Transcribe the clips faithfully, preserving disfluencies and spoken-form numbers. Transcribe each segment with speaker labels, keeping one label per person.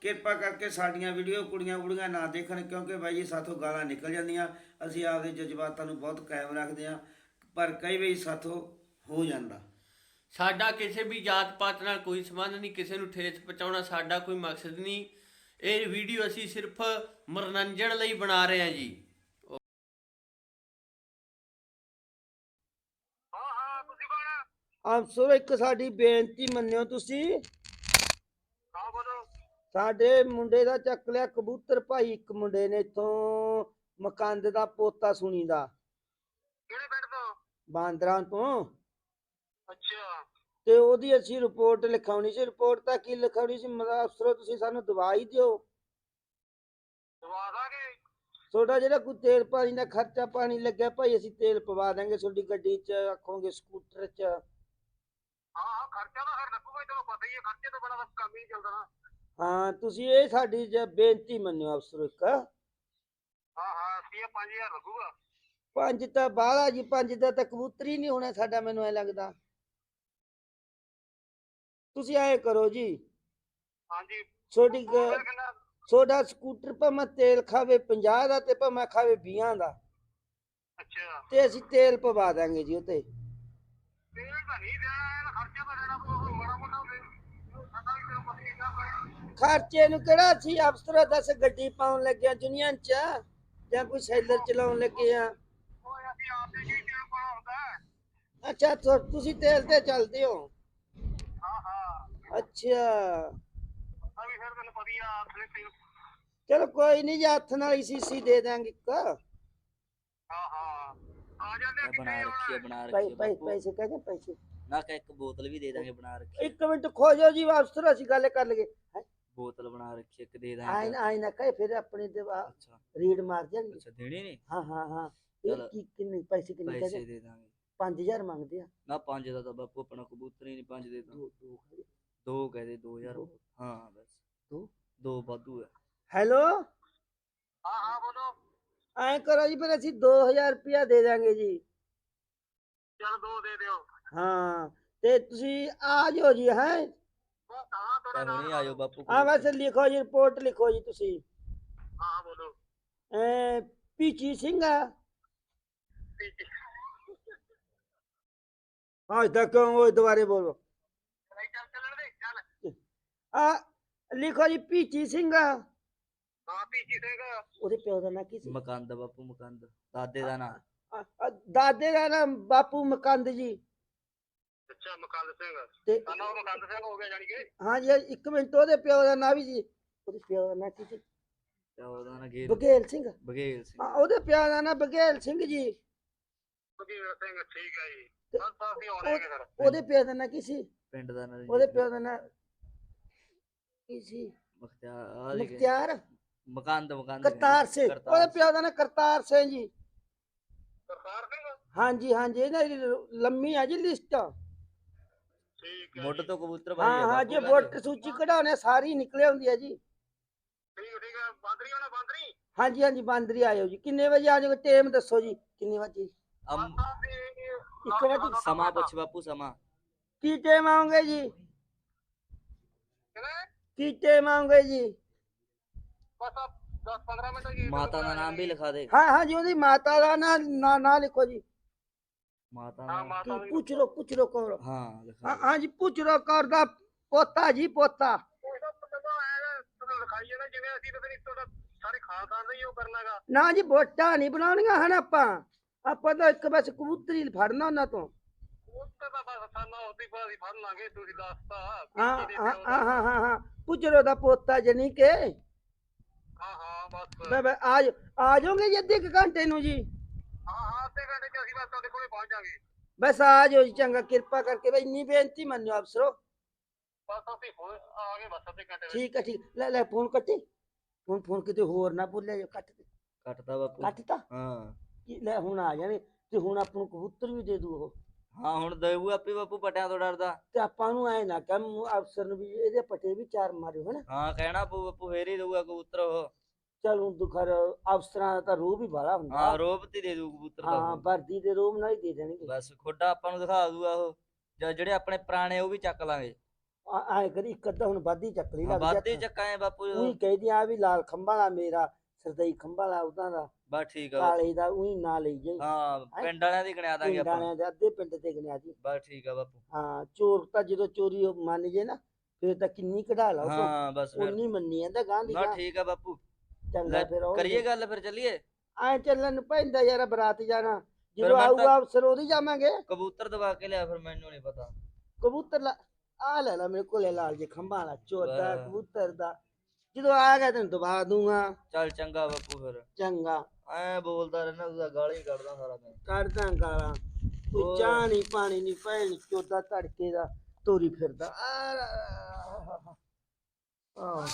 Speaker 1: ਕਿਰਪਾ ਕਰਕੇ ਸਾਡੀਆਂ ਵੀਡੀਓ ਕੁੜੀਆਂ ਬੁੜੀਆਂ ਨਾ ਦੇਖਣ, ਕਿਉਂਕਿ ਬਾਈ ਜੀ ਸਾਥੋਂ ਗਾਲਾਂ ਨਿਕਲ ਜਾਂਦੀਆਂ। ਅਸੀਂ ਆਪਦੇ ਜਜ਼ਬਾਤਾਂ ਨੂੰ ਬਹੁਤ ਕਾਇਮ ਰੱਖਦੇ ਹਾਂ, ਪਰ ਕਈ ਵਾਰੀ ਸਾਥੋਂ ਹੋ ਜਾਂਦਾ।
Speaker 2: ਸਾਡਾ ਕਿਸੇ ਵੀ ਜਾਤ ਪਾਤ ਨਾਲ ਕੋਈ ਸੰਬੰਧ ਨਹੀਂ, ਕਿਸੇ ਨੂੰ ਠੇਸ ਪਹੁੰਚਾਉਣਾ ਸਾਡਾ ਕੋਈ ਮਕਸਦ ਨਹੀਂ। ਇਹ ਵੀਡੀਓ ਅਸੀਂ ਸਿਰਫ ਮਨੋਰੰਜਨ ਲਈ ਬਣਾ ਰਹੇ ਹਾਂ ਜੀ।
Speaker 3: ਅਫਸਰ ਇੱਕ ਸਾਡੀ ਬੇਨਤੀ ਮੰਨਿਓ ਤੁਸੀਂ। ਸਾਡੇ ਮੁੰਡੇ ਦਾ ਚੱਕ ਲਿਆ ਕਬੂਤਰ ਭਾਈ, ਇੱਕ ਮੁੰਡੇ ਨੇ ਇਥੋਂ ਮਕੰਦ ਦਾ ਪੋਤਾ ਸੁਣੀ ਦਾ।
Speaker 4: ਕਿਹੜੇ ਪਿੰਡ ਤੋਂ?
Speaker 3: ਬਾਂਦਰਾਂ ਤੋਂ।
Speaker 4: ਅੱਛਾ
Speaker 3: ਤੇ ਉਹਦੀ ਅਸੀਂ ਰਿਪੋਰਟ ਲਿਖਾਉਣੀ ਸੀ। ਰਿਪੋਰਟ ਤਾਂ ਕੀ ਲਿਖਾਉਣੀ ਸੀ ਮਤਲਬ ਅਫਸਰੋ ਤੁਸੀਂ ਸਾਨੂੰ ਦਵਾਈ ਦਿਓ।
Speaker 4: ਦਵਾ ਦਾਂਗੇ।
Speaker 3: ਤੁਹਾਡਾ ਜਿਹੜਾ ਕੋਈ ਤੇਲ ਪਾਣੀ ਦਾ ਖਰਚਾ ਪਾਣੀ ਲੱਗਿਆ ਭਾਈ ਅਸੀਂ ਤੇਲ ਪਵਾ ਦਾਂਗੇ ਤੁਹਾਡੀ ਗੱਡੀ 'ਚ, ਆਖੋਗੇ ਸਕੂਟਰ 'ਚ।
Speaker 4: ਹਾਂ ਹਾਂ ਖਰਚਾ ਤਾਂ ਫਿਰ ਲੱਗੂਗਾ, ਤੈਨੂੰ ਪਤਾ ਹੀ ਹੈ ਖਰਚੇ ਤੋਂ ਬੜਾ ਕੰਮ ਹੀ ਨਹੀਂ ਚੱਲਦਾ ਨਾ।
Speaker 3: ਹਾਂ ਤੁਸੀਂ ਇਹ ਸਾਡੀ ਜ ਬੇਨਤੀ ਮੰਨਿਓ ਅਫਸਰੋ ਇੱਕ।
Speaker 4: ਹਾਂ ਹਾਂ ਅਸੀਂ ਪੰਜ ਹਜ਼ਾਰ ਲੱਗੂਗਾ।
Speaker 3: ਪੰਜ ਤਾਂ ਬਾਹਲਾ ਜੀ, ਪੰਜ ਦਾ ਤਾਂ ਕਬੂਤਰ ਹੀ ਨਹੀਂ ਹੋਣਾ ਸਾਡਾ, ਮੈਨੂੰ ਐ ਲੱਗਦਾ। ਤੁਸੀਂ ਐ ਕਰੋ ਜੀ,
Speaker 4: ਹਾਂਜੀ
Speaker 3: ਤੁਹਾਡੀ
Speaker 4: ਫਿਰ ਕਿੰਨਾ?
Speaker 3: ਤੁਹਾਡਾ ਸਕੂਟਰ ਭਾਵੇਂ ਤੇਲ ਖਾਵੇ ਪੰਜਾਹ ਦਾ ਤੇ ਭਾਵੇਂ ਖਾਵੇ ਵੀਹਾਂ ਦਾ,
Speaker 4: ਅੱਛਾ
Speaker 3: ਤੇ ਅਸੀਂ ਤੇਲ ਪਵਾ ਦਾਂਗੇ ਜੀ ਉਤੇ।
Speaker 4: ਤੇਲ ਤਾਂ ਨਹੀਂ ਦੇਣਾ, ਇਹਦਾ ਖਰਚਾ ਤਾਂ ਦੇਣਾ ਪਊਗਾ ਮਾੜਾ ਮੋਟਾ ਹੋਵੇ। ਸਾਡਾ ਵੀ ਤੈਨੂੰ ਪਤਾ ਹੀ ਕਿੰਨਾ ਪਏ।
Speaker 3: ਖਰਚੇ ਨੂੰ ਕਿਹੜਾ ਅਸੀਂ ਅਫਸਰ ਦੱਸ ਗੱਡੀ ਪਾਉਣ ਲੱਗਿਆ ਦੁਨੀਆਂ 'ਚ, ਜਾਂ ਕੋਈ ਸੈਲਰ ਚਲਾਉਣ ਲੱਗੇ ਆ।
Speaker 4: ਓਏ ਅਸੀਂ ਆਪਦੇ ਜੀ ਤੇਲ ਪਾਉਣਾ ਹੁੰਦਾ ਹੈ।
Speaker 3: ਅੱਛਾ ਤੁ- ਤੁਸੀਂ ਤੇਲ ਤੇ ਚੱਲਦੇ ਹੋ?
Speaker 4: ਹਾਂ ਹਾਂ
Speaker 3: ਅੱਛਾ
Speaker 4: ਆ ਵੀ ਫਿਰ ਤੈਨੂੰ ਪਤਾ ਹੀ ਆ ਆਪਣੇ ਤੇਲ।
Speaker 3: ਚਲੋ ਕੋਈ ਨਹੀਂ ਜੀ, ਹੱਥ ਨਾਲ ਹੀ ਸੀਸੀ ਦੇ ਦਾਂਗੇ ਇੱਕ।
Speaker 4: ਹਾਂ ਹਾਂ ਆ ਜਾਂਦੇ ਆ,
Speaker 5: ਬਣਾ
Speaker 4: ਕਿੱਥੇ
Speaker 5: ਰੱਖੀ
Speaker 4: ਆਉਣਾ
Speaker 5: ਹੈ
Speaker 4: ਹੈ?
Speaker 5: ਬਣਾ ਰੱਖੀ
Speaker 3: ਪੈ-
Speaker 5: ਹੈ
Speaker 3: ਪੈ-
Speaker 5: ਬਾਪੂ।
Speaker 3: ਪੈਸੇ ਕਹਿੰਦੇ ਪੈਸੇ
Speaker 5: ਨਾ ਕਿ ਇੱਕ ਬੋਤਲ ਵੀ ਦੇ ਦਾਂਗੇ ਬਣਾ ਰੱਖੀ ਹੈ।
Speaker 3: ਇੱਕ ਮਿੰਟ ਖੋ ਜਾਓ ਜੀ ਅਫਸਰ, ਅਸੀਂ ਗੱਲ ਕਰ ਲਈਏ।
Speaker 5: ਬੋਤਲ ਬਣਾ ਰੱਖੀ ਹੈ, ਇੱਕ ਦੇ
Speaker 3: ਆਏ
Speaker 5: ਦਾਂਗੇ।
Speaker 3: ਨਾ ਆਏ ਨਾ ਕਹੇ ਫਿਰ ਆਪਣੀ ਤੇ
Speaker 5: ਅੱਛਾ
Speaker 3: ਰੀਡ ਮਾਰ ਜਾਣਗੇ।
Speaker 5: ਅੱਛਾ ਦੇਣੇ ਨੇ।
Speaker 3: ਹਾਂ ਹਾਂ ਹਾਂ ਇਹ
Speaker 5: ਚੱਲ।
Speaker 3: ਕੀ ਕਿੰਨੇ ਪੈਸੇ ਕਿੰਨੇ
Speaker 5: ਪੈਸੇ
Speaker 3: ਕਹਿੰਦੇ?
Speaker 5: ਦੇ ਦਾਂਗੇ।
Speaker 3: ਪੰਜ ਹਜ਼ਾਰ ਮੰਗਦੇ ਆ।
Speaker 5: ਨਾ ਪੰਜ ਦਾ ਤਾਂ ਬਾਪੂ ਆਪਣਾ ਕਬੂਤਰ ਹੀ ਨਹੀਂ, ਪੰਜ ਦੇ ਤਾਂ
Speaker 3: ਦੋ ਦੋ
Speaker 5: ਦੋ ਕਹਦੇ ਦੋ ਹਜ਼ਾਰ।
Speaker 3: ਦੋ।
Speaker 5: ਹਾਂ ਬਸ
Speaker 3: ਦੋ
Speaker 5: ਦੋ ਵਾਧੂ ਹੈ।
Speaker 3: ਹੈਲੋ
Speaker 4: ਹਾਂ ਹਾਂ ਬੋਲੋ।
Speaker 3: ਐਂ ਕਰੋ ਜੀ ਫਿਰ ਅਸੀਂ ਦੋ ਹਜ਼ਾਰ ਰੁਪਇਆ ਦੇ ਦਾਂਗੇ ਜੀ।
Speaker 4: ਚੱਲ ਦੋ ਦੇ ਦਿਓ।
Speaker 3: ਹਾਂ ਤੇ ਤੁਸੀਂ ਆ ਜਾਓ ਜੀ। ਹੈ
Speaker 4: ਬਸ ਹਾਂ ਤੁਹਾਡਾ
Speaker 5: ਤਾਂ
Speaker 4: ਨਾਮ
Speaker 5: ਹੁਣੇ
Speaker 4: ਲਿਖਾ
Speaker 5: ਆਇਓ
Speaker 4: ਦਿਓ।
Speaker 5: ਬਾਪੂ
Speaker 3: ਹਾਂ
Speaker 5: ਕੋਲ।
Speaker 3: ਬਸ ਲਿਖੋ ਜੀ, ਰਿਪੋਰਟ ਲਿਖੋ ਜੀ ਤੁਸੀਂ।
Speaker 4: ਹਾਂ ਹਾਂ ਬੋਲੋ।
Speaker 3: ਐ ਪੀਚੀ ਸਿੰਘ ਆ।
Speaker 4: ਠੀਕ ਹੈ।
Speaker 3: ਹਾਂ ਤਾਂ ਕਿਉਂ ਉਹ ਦੁਬਾਰੇ ਬੋਲੋ।
Speaker 4: ਨਹੀਂ ਚੱਲ ਚੱਲਣ ਦੇ ਚੱਲ।
Speaker 3: ਆ ਲਿਖੋ ਜੀ ਪੀਚੀ ਸਿੰਘ ਆ।
Speaker 4: ਹਾਂ ਪੀਜੀ ਸਿੰਘ।
Speaker 3: ਉਹਦੇ ਪਿਓ ਦਾ ਨਾਂ ਕੀ ਸੀ?
Speaker 5: ਮਕੰਦ ਬਾਪੂ ਮਕੰਦ, ਦਾਦੇ ਦਾ ਨਾਂ।
Speaker 3: ਆ- ਆ ਦਾਦੇ ਦਾ ਨਾਮ ਬਾਪੂ ਮਕੰਦ ਜੀ।
Speaker 4: ਅੱਛਾ ਮਕੰਦ ਸਿੰਘ।
Speaker 3: ਤੇ
Speaker 4: ਤਾਂ ਨਾਮ ਮਕੰਦ ਸਿੰਘ ਹੋ ਗਿਆ ਜਾਣੀ ਕਿ।
Speaker 3: ਹਾਂ ਜੀ ਇੱਕ ਮਿੰਟ, ਉਹਦੇ ਪਿਓ ਦਾ ਨਾਂ ਵੀ ਜੀ। ਉਹਦੇ ਪਿਓ ਦਾ ਨਾਂ ਕੀ ਸੀ?
Speaker 5: ਤੇ ਉਹਦਾ ਨਾਂ ਗੇਲ
Speaker 3: ਬਘੇਲ ਸਿੰਘ।
Speaker 5: ਬਘੇਲ ਸਿੰਘ।
Speaker 3: ਹਾਂ ਉਹਦੇ ਪਿਓ ਦਾ ਨਾਂ ਬਘੇਲ ਸਿੰਘ ਜੀ।
Speaker 4: ਬਘੇਲ ਸਿੰਘ ਠੀਕ ਹੈ ਜੀ।
Speaker 3: ਤੇ
Speaker 4: ਬਸ ਤਾਂ ਅਸੀਂ ਆਉਣੇ ਹੈਗੇ ਫਿਰ।
Speaker 3: ਉਹਦੇ ਪਿਓ ਦਾ ਨਾਂ ਕੀ ਸੀ?
Speaker 5: ਪਿੰਡ ਦਾ ਨਾਂ
Speaker 3: ਉਹਦੇ ਪਿਓ ਦਾ ਨਾਂ ਕੀ ਸੀ?
Speaker 5: ਮੁਖਤਿਆਰ ਆ ਜੀ।
Speaker 3: ਮੁਖਤਿਆਰ
Speaker 5: ਮਕੰਦ ਮਕੰਦ
Speaker 3: ਕਰਤਾਰ ਸਿੰਘ।
Speaker 5: ਕਰਤਾਰ
Speaker 3: ਉਹਦੇ ਪਿਓ ਦਾ ਨਾਂ ਕਰਤਾਰ ਸਿੰਘ ਜੀ।
Speaker 4: ਸਰਦਾਰ ਸਿੰਘ।
Speaker 3: ਹਾਂਜੀ ਹਾਂਜੀ ਇਹਨਾਂ ਦੀ ਲੰਮੀ ਆ ਜੀ ਲਿਸਟ।
Speaker 4: ਠੀਕ ਹੈ
Speaker 5: ਮੁੱਢ
Speaker 4: ਜੀ।
Speaker 5: ਤੋਂ ਕਬੂਤਰ ਭਾਈ
Speaker 3: ਹਾਂ
Speaker 5: ਆ
Speaker 3: ਹਾਂ
Speaker 5: ਬਾਪੂ
Speaker 3: ਜੇ
Speaker 5: ਕਹਿੰਦੇ।
Speaker 3: ਵੋਟਰ ਸੂਚੀ ਕਢਾਉਣੇ ਸਾਰੀ ਨਿਕਲੇ ਹੁੰਦੀ ਹੈ ਜੀ।
Speaker 4: ਠੀਕ ਠੀਕ ਹੈ ਬਾਂਦਰੀ ਹੋਣਾ ਬਾਂਦਰੀ।
Speaker 3: ਹਾਂਜੀ ਹਾਂਜੀ ਬਾਂਦਰੀ ਆਇਓ ਜੀ। ਕਿੰਨੇ ਵਜੇ ਆ ਜਾਓਗੇ? ਟਾਈਮ ਦੱਸੋ ਜੀ ਕਿੰਨੇ ਵਜੇ?
Speaker 5: ਅਮ
Speaker 3: ਇੱਕ ਵਜੇ
Speaker 5: ਸਮਾਂ ਪੁੱਛ ਬਾਪੂ ਸਮਾਂ।
Speaker 3: ਕੀ ਟਾਈਮ ਆਉਂਗੇ ਜੀ?
Speaker 4: ਕਿਵੇਂ?
Speaker 3: ਕੀ ਟਾਈਮ ਆਉਂਗੇ ਜੀ?
Speaker 4: ਬਸ ਦਸ ਪੰਦਰਾਂ ਮਿੰਟ ਜੀ।
Speaker 5: ਮਾਤਾ ਦਾ ਨਾਮ ਵੀ ਲਿਖਾ ਦੇ।
Speaker 3: ਹਾਂ ਹਾਂ ਜੀ ਉਹਦੀ ਮਾਤਾ ਦਾ ਨਾਂ ਨਾਂ ਨਾਂ ਲਿਖੋ ਜੀ।
Speaker 5: ਮਾਤਾ
Speaker 4: ਹਾਂ
Speaker 5: ਦਾ
Speaker 4: ਮਾਤਾ
Speaker 3: ਕੀ
Speaker 4: ਵੀ
Speaker 3: ਪੁੱਛ ਲੋ ਪੁੱਛ ਲੋ ਕੌਰ।
Speaker 5: ਹਾਂ ਲਿਖਾ
Speaker 3: ਹਾਂ
Speaker 5: ਦੇ।
Speaker 3: ਹਾਂ ਜੀ ਪੁੱਛ ਲੋ ਕੌਰ ਦਾ ਪੋਤਾ ਜੀ ਪੋਤਾ।
Speaker 4: ਉਹ ਤਾਂ ਪਤਾ ਹੈ ਤੁਹਾਨੂੰ ਲਿਖਾਈ ਹੈ ਨਾ, ਜਿਵੇਂ ਅਸੀਂ ਤਾਂ ਨਹੀਂ ਤੁਹਾਡਾ ਸਾਰੇ ਖਾਨਦਾਨ ਦਾ ਹੀ ਉਹ ਕਰਨਾਗਾ।
Speaker 3: ਨਾ ਜੀ ਵੋਟਾਂ ਨਹੀਂ ਬਣਾਉਣੀਆਂ ਹਨ ਆਪਾਂ। ਆਪਾਂ ਤਾਂ ਇੱਕ ਬਸ ਕਬੂਤਰ ਹੀ ਫੜਨਾ ਉਹਨਾਂ ਤੋਂ।
Speaker 4: ਉਹ ਤਾਂ ਬਸ ਸਾਨੂੰ ਉਹਦੀ ਬਾਅਦ ਫੜ ਲਾਂਗੇ, ਤੁਸੀਂ ਦੱਸਤਾ।
Speaker 3: ਹਾਂ
Speaker 4: ਪੀਜੀ ਦੇ
Speaker 3: ਹਾਂ
Speaker 4: ਪਿਓ ਦਾ।
Speaker 3: ਹਾਂ ਹਾਂ ਹਾਂ ਪੁੱਛ ਲੋ ਦਾ ਪੋਤਾ ਜਨੀ ਕੇ।
Speaker 4: ਹਾਂ ਹਾਂ ਬਸ।
Speaker 3: ਬਈ ਬਈ ਆ ਜਾਓ ਆ ਜਾਓਗੇ ਜੀ ਅੱਧੇ ਕੁ ਘੰਟੇ ਨੂੰ ਜੀ?
Speaker 4: ਹਾਂ ਹਾਂ ਅੱਧੇ ਘੰਟੇ ਚ ਅਸੀਂ ਬਸ ਤੁਹਾਡੇ ਕੋਲੇ ਪਹੁੰਚ ਜਾਵਾਂਗੇ।
Speaker 3: ਬਸ ਆ ਜਾਓ ਜੀ ਚੰਗਾ ਕਿਰਪਾ ਕਰਕੇ ਬਈ ਇੰਨੀ ਬੇਨਤੀ ਮੰਨਿਓ ਅਫਸਰੋ।
Speaker 4: ਬਸ ਅਸੀਂ ਹੋ ਆ ਗਏ ਬਸ ਅੱਧੇ ਘੰਟੇ ਵਿੱਚ।
Speaker 3: ਠੀਕ ਹੈ ਠੀਕ। ਲੈ ਲੈ ਫੋਨ ਕੱਟੀ। ਫੋਨ ਫੋਨ ਕਿਤੇ ਹੋਰ ਨਾ ਬੋਲਿਆ ਜੋ। ਕੱਟ ਦੇ।
Speaker 5: ਕੱਟਦਾ ਬਾਪੂ।
Speaker 3: ਕੱਟ ਤਾ
Speaker 5: ਹਾਂ
Speaker 3: ਕੀ ਲੈ ਹੁਣ ਆ ਜਾਣੇ ਤੇ ਹੁਣ ਆਪਾਂ ਨੂੰ ਕਬੂਤਰ ਵੀ ਦੇ ਦੂ ਉਹ।
Speaker 5: ਹਾਂ ਹੁਣ ਦੇਊ ਆਪੇ ਬਾਪੂ ਪਟਿਆਂ ਤੋਂ ਡਰਦਾ।
Speaker 3: ਤੇ ਆਪਾਂ ਨੂੰ ਐ ਨਾ ਕਹਿ ਅਫਸਰ ਨੂੰ ਵੀ ਇਹਦੇ ਪੱਟੇ ਵੀ ਚਾਰ ਮਾਰਿਓ ਹਨਾ।
Speaker 5: ਹਾਂ ਕਹਿਣਾ ਪਊ ਬਾਪੂ ਫੇਰ ਹੀ ਦਊਗਾ ਕਬੂਤਰ ਉਹ।
Speaker 3: ਚਲ ਹੁਣ ਦੁਖਰ ਅਫਸਰਾਂ ਦਾ ਤਾਂ ਰੂਹ ਵੀ ਬਾਲਾ ਹੁੰਦਾ।
Speaker 5: ਹਾਂ ਰੋਬ ਤੇ ਦੇ ਦੂ ਕਬੂਤਰ ਦਾ
Speaker 3: ਹਾਂ
Speaker 5: ਉਹ।
Speaker 3: ਵਰਦੀ ਦੇ ਰੂਹ ਨਾਲ ਹੀ ਦੇ ਦੇਣਗੇ।
Speaker 5: ਬਸ ਖੋਡਾ ਆਪਾਂ ਨੂੰ ਦਿਖਾ ਦੂਗਾ ਉਹ। ਜਾਂ ਜਿਹੜੇ ਆਪਣੇ ਪੁਰਾਣੇ ਉਹ ਵੀ ਚੱਕ ਲਾਂਗੇ।
Speaker 3: ਆਏ ਕਰੀ ਇੱਕ ਅੱਧਾ ਹੁਣ ਵਾਧੀ ਚੱਕ ਲਈ ਲੱਗ
Speaker 5: ਵਾਧੇ ਚੱਕਾਂ ਐ ਬਾਪੂ
Speaker 3: ਉਹੀ ਕਹਿੰਦੀ ਆ ਵੀ ਲਾਲ ਖੰਭਾ ਦਾ ਮੇਰਾ ਸਰਦਈ ਖੰਭਾ ਦਾ ਉਹਦਾ ਦਾ
Speaker 5: ਬਸ ਠੀਕ ਆ
Speaker 3: ਕਾਲੇ ਦਾ ਉਹੀ ਨਾ ਲਈ ਜਾਈ।
Speaker 5: ਹਾਂ ਪਿੰਡ ਵਾਲਿਆਂ ਦੀ ਗਣਿਆ ਦਾਂਗੇ
Speaker 3: ਪਿੰਡ
Speaker 5: ਆਪਾਂ
Speaker 3: ਵਾਲਿਆਂ ਦੇ ਅੱਧੇ ਪਿੰਡ ਤੇ ਗਣਿਆ ਜੀ।
Speaker 5: ਬਸ ਠੀਕ ਆ ਬਾਪੂ
Speaker 3: ਹਾਂ ਚੋਰ ਤਾਂ ਜਦੋਂ ਚੋਰੀ ਉਹ ਮੰਨ ਜੇ ਨਾ ਫਿਰ ਤਾਂ ਕਿੰਨੀ ਕਢਾ ਲਾ ਉਹ
Speaker 5: ਹਾਂ ਬਸ ਫਿਰ
Speaker 3: ਉਨੀ ਮੰਨੀ ਜਾਂਦਾ ਗਾਂ ਦੀ
Speaker 5: ਨਾ
Speaker 3: ਗਾਂ।
Speaker 5: ਠੀਕ ਆ ਬਾਪੂ
Speaker 3: ਚੰਗਾ
Speaker 5: ਲੈ,
Speaker 3: ਫਿਰ ਉਹ
Speaker 5: ਕਰੀਏ ਗੱਲ ਫਿਰ ਚੱਲੀਏ।
Speaker 3: ਐ ਚੱਲਣ ਨੂੰ ਪੈਂਦਾ ਯਾਰ ਬਰਾਤ ਜਾਣਾ ਜਦੋਂ
Speaker 5: ਮੈਂ ਤਾਂ-
Speaker 3: ਆਊਗਾ ਅਫਸਰ ਉਹਦੀ ਜਾਵਾਂਗੇ।
Speaker 5: ਕਬੂਤਰ ਦਬਾ ਕੇ ਲਿਆ ਫਿਰ ਮੈਨੂੰ ਨਹੀਂ ਪਤਾ।
Speaker 3: ਕਬੂਤਰ ਲਾ ਆ ਲੈ ਲਾ ਮੇਰੇ ਕੋਲੇ ਲਾਲ ਜੇ ਖੰਭਾ ਵਾਲਾ ਚੋਦਾ
Speaker 5: ਵਾਹ।
Speaker 3: ਕਬੂਤਰ ਦਾ ਜਦੋਂ ਆ ਗਿਆ ਤੈਨੂੰ ਦਬਾ ਦੂੰਗਾ।
Speaker 5: ਚੱਲ ਚੰਗਾ ਬਾਪੂ ਫਿਰ
Speaker 3: ਚੰਗਾ
Speaker 5: ਐ ਬੋਲਦਾ ਰਹਿਣਾ ਤੂੰ ਤਾਂ ਗਾਲਾਂ ਹੀ ਕੱਢਦਾ ਸਾਰਾ ਦਿਨ।
Speaker 3: ਕੱਢਦਾ ਗਾਲਾਂ ਕੋਈ
Speaker 5: ਹੋਰ।
Speaker 3: ਚਾਹ ਨਹੀਂ ਪਾਣੀ ਨਹੀਂ ਭੈਣ ਚੋਦਾ ਧੜਕੇ ਦਾ ਤੋਰੀ ਫਿਰਦਾ ਆ ਆਹ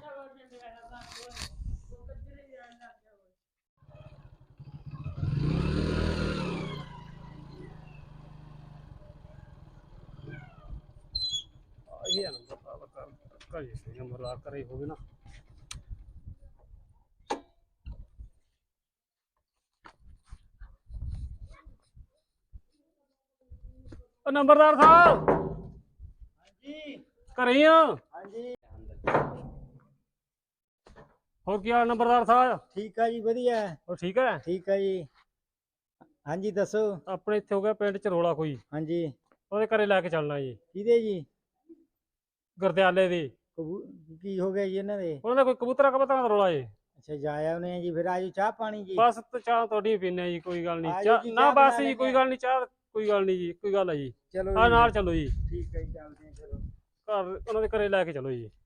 Speaker 6: ਇਹ ਨੰਬਰ ਦਾ ਕਰ ਕਰੀ ਸੀ ਨੰਬਰ ਲਾ ਕਰੇ ਹੋਵੇ ਨਾ। ਉਹ ਨੰਬਰਦਾਰ ਸਾਹਿਬ
Speaker 3: ਹਾਂਜੀ
Speaker 6: ਘਰੇ ਹੀ ਆ?
Speaker 3: ਹਾਂਜੀ
Speaker 6: ਹੋਰ ਕੀ ਹਾਲ ਨੰਬਰਦਾਰ ਸਾਹਿਬ?
Speaker 7: ਠੀਕ ਆ ਜੀ ਵਧੀਆ
Speaker 6: ਹੋਰ ਠੀਕ ਹੈ?
Speaker 7: ਠੀਕ ਆ ਜੀ ਹਾਂਜੀ ਦੱਸੋ
Speaker 6: ਆਪਣੇ ਇੱਥੇ ਹੋ ਗਿਆ ਪਿੰਡ ਚ ਰੋਲਾ ਕੋਈ,
Speaker 7: ਹਾਂਜੀ
Speaker 6: ਉਹਦੇ ਘਰੇ ਲੈ ਕੇ ਚੱਲਣਾ ਜੀ,
Speaker 7: ਕਿਹਦੇ ਜੀ
Speaker 6: ਗੁਰਦਿਆਲੇ ਦੇ।
Speaker 7: ਕਬੂ ਕੀ ਹੋ ਗਿਆ ਜੀ ਇਹਨਾਂ ਦੇ
Speaker 6: ਉਹਨਾਂ ਦਾ ਕੋਈ ਕਬੂਤਰਾਂ ਕਬੂਤਰਾਂ ਦਾ ਰੋਲਾ ਜੀ।
Speaker 7: ਅੱਛਾ ਜਾ ਆਉਨੇ ਆ ਜੀ ਫਿਰ ਆਜੋ ਚਾਹ ਪਾਣੀ ਜੀ
Speaker 6: ਬਸ ਤੇ ਚਾਹ ਤੁਹਾਡੀ ਪੀਨੇ ਜੀ, ਕੋਈ ਗੱਲ
Speaker 7: ਆ
Speaker 6: ਨਹੀਂ।
Speaker 7: ਜਾਓ
Speaker 6: ਚਾਹ
Speaker 7: ਜੀ,
Speaker 6: ਨਾ
Speaker 7: ਚਾਹ
Speaker 6: ਬਸ
Speaker 7: ਬਣਾ
Speaker 6: ਜੀ
Speaker 7: ਲੈਂਦੇ
Speaker 6: ਕੋਈ
Speaker 7: ਆ।
Speaker 6: ਗੱਲ ਨਹੀਂ, ਚਾਹ ਕੋਈ ਗੱਲ ਨਹੀਂ ਜੀ, ਕੋਈ ਗੱਲ ਹੈ ਜੀ।
Speaker 7: ਚਲੋ
Speaker 6: ਆ
Speaker 7: ਜੀ,
Speaker 6: ਨਾਲ ਚੱਲੋ ਜੀ,
Speaker 7: ਠੀਕ ਹੈ ਜੀ ਚੱਲਦੇ ਆ ਚਲੋ
Speaker 6: ਘਰ ਉਹਨਾਂ ਦੇ ਘਰੇ ਲੈ ਕੇ ਚਲੋ ਜੀ।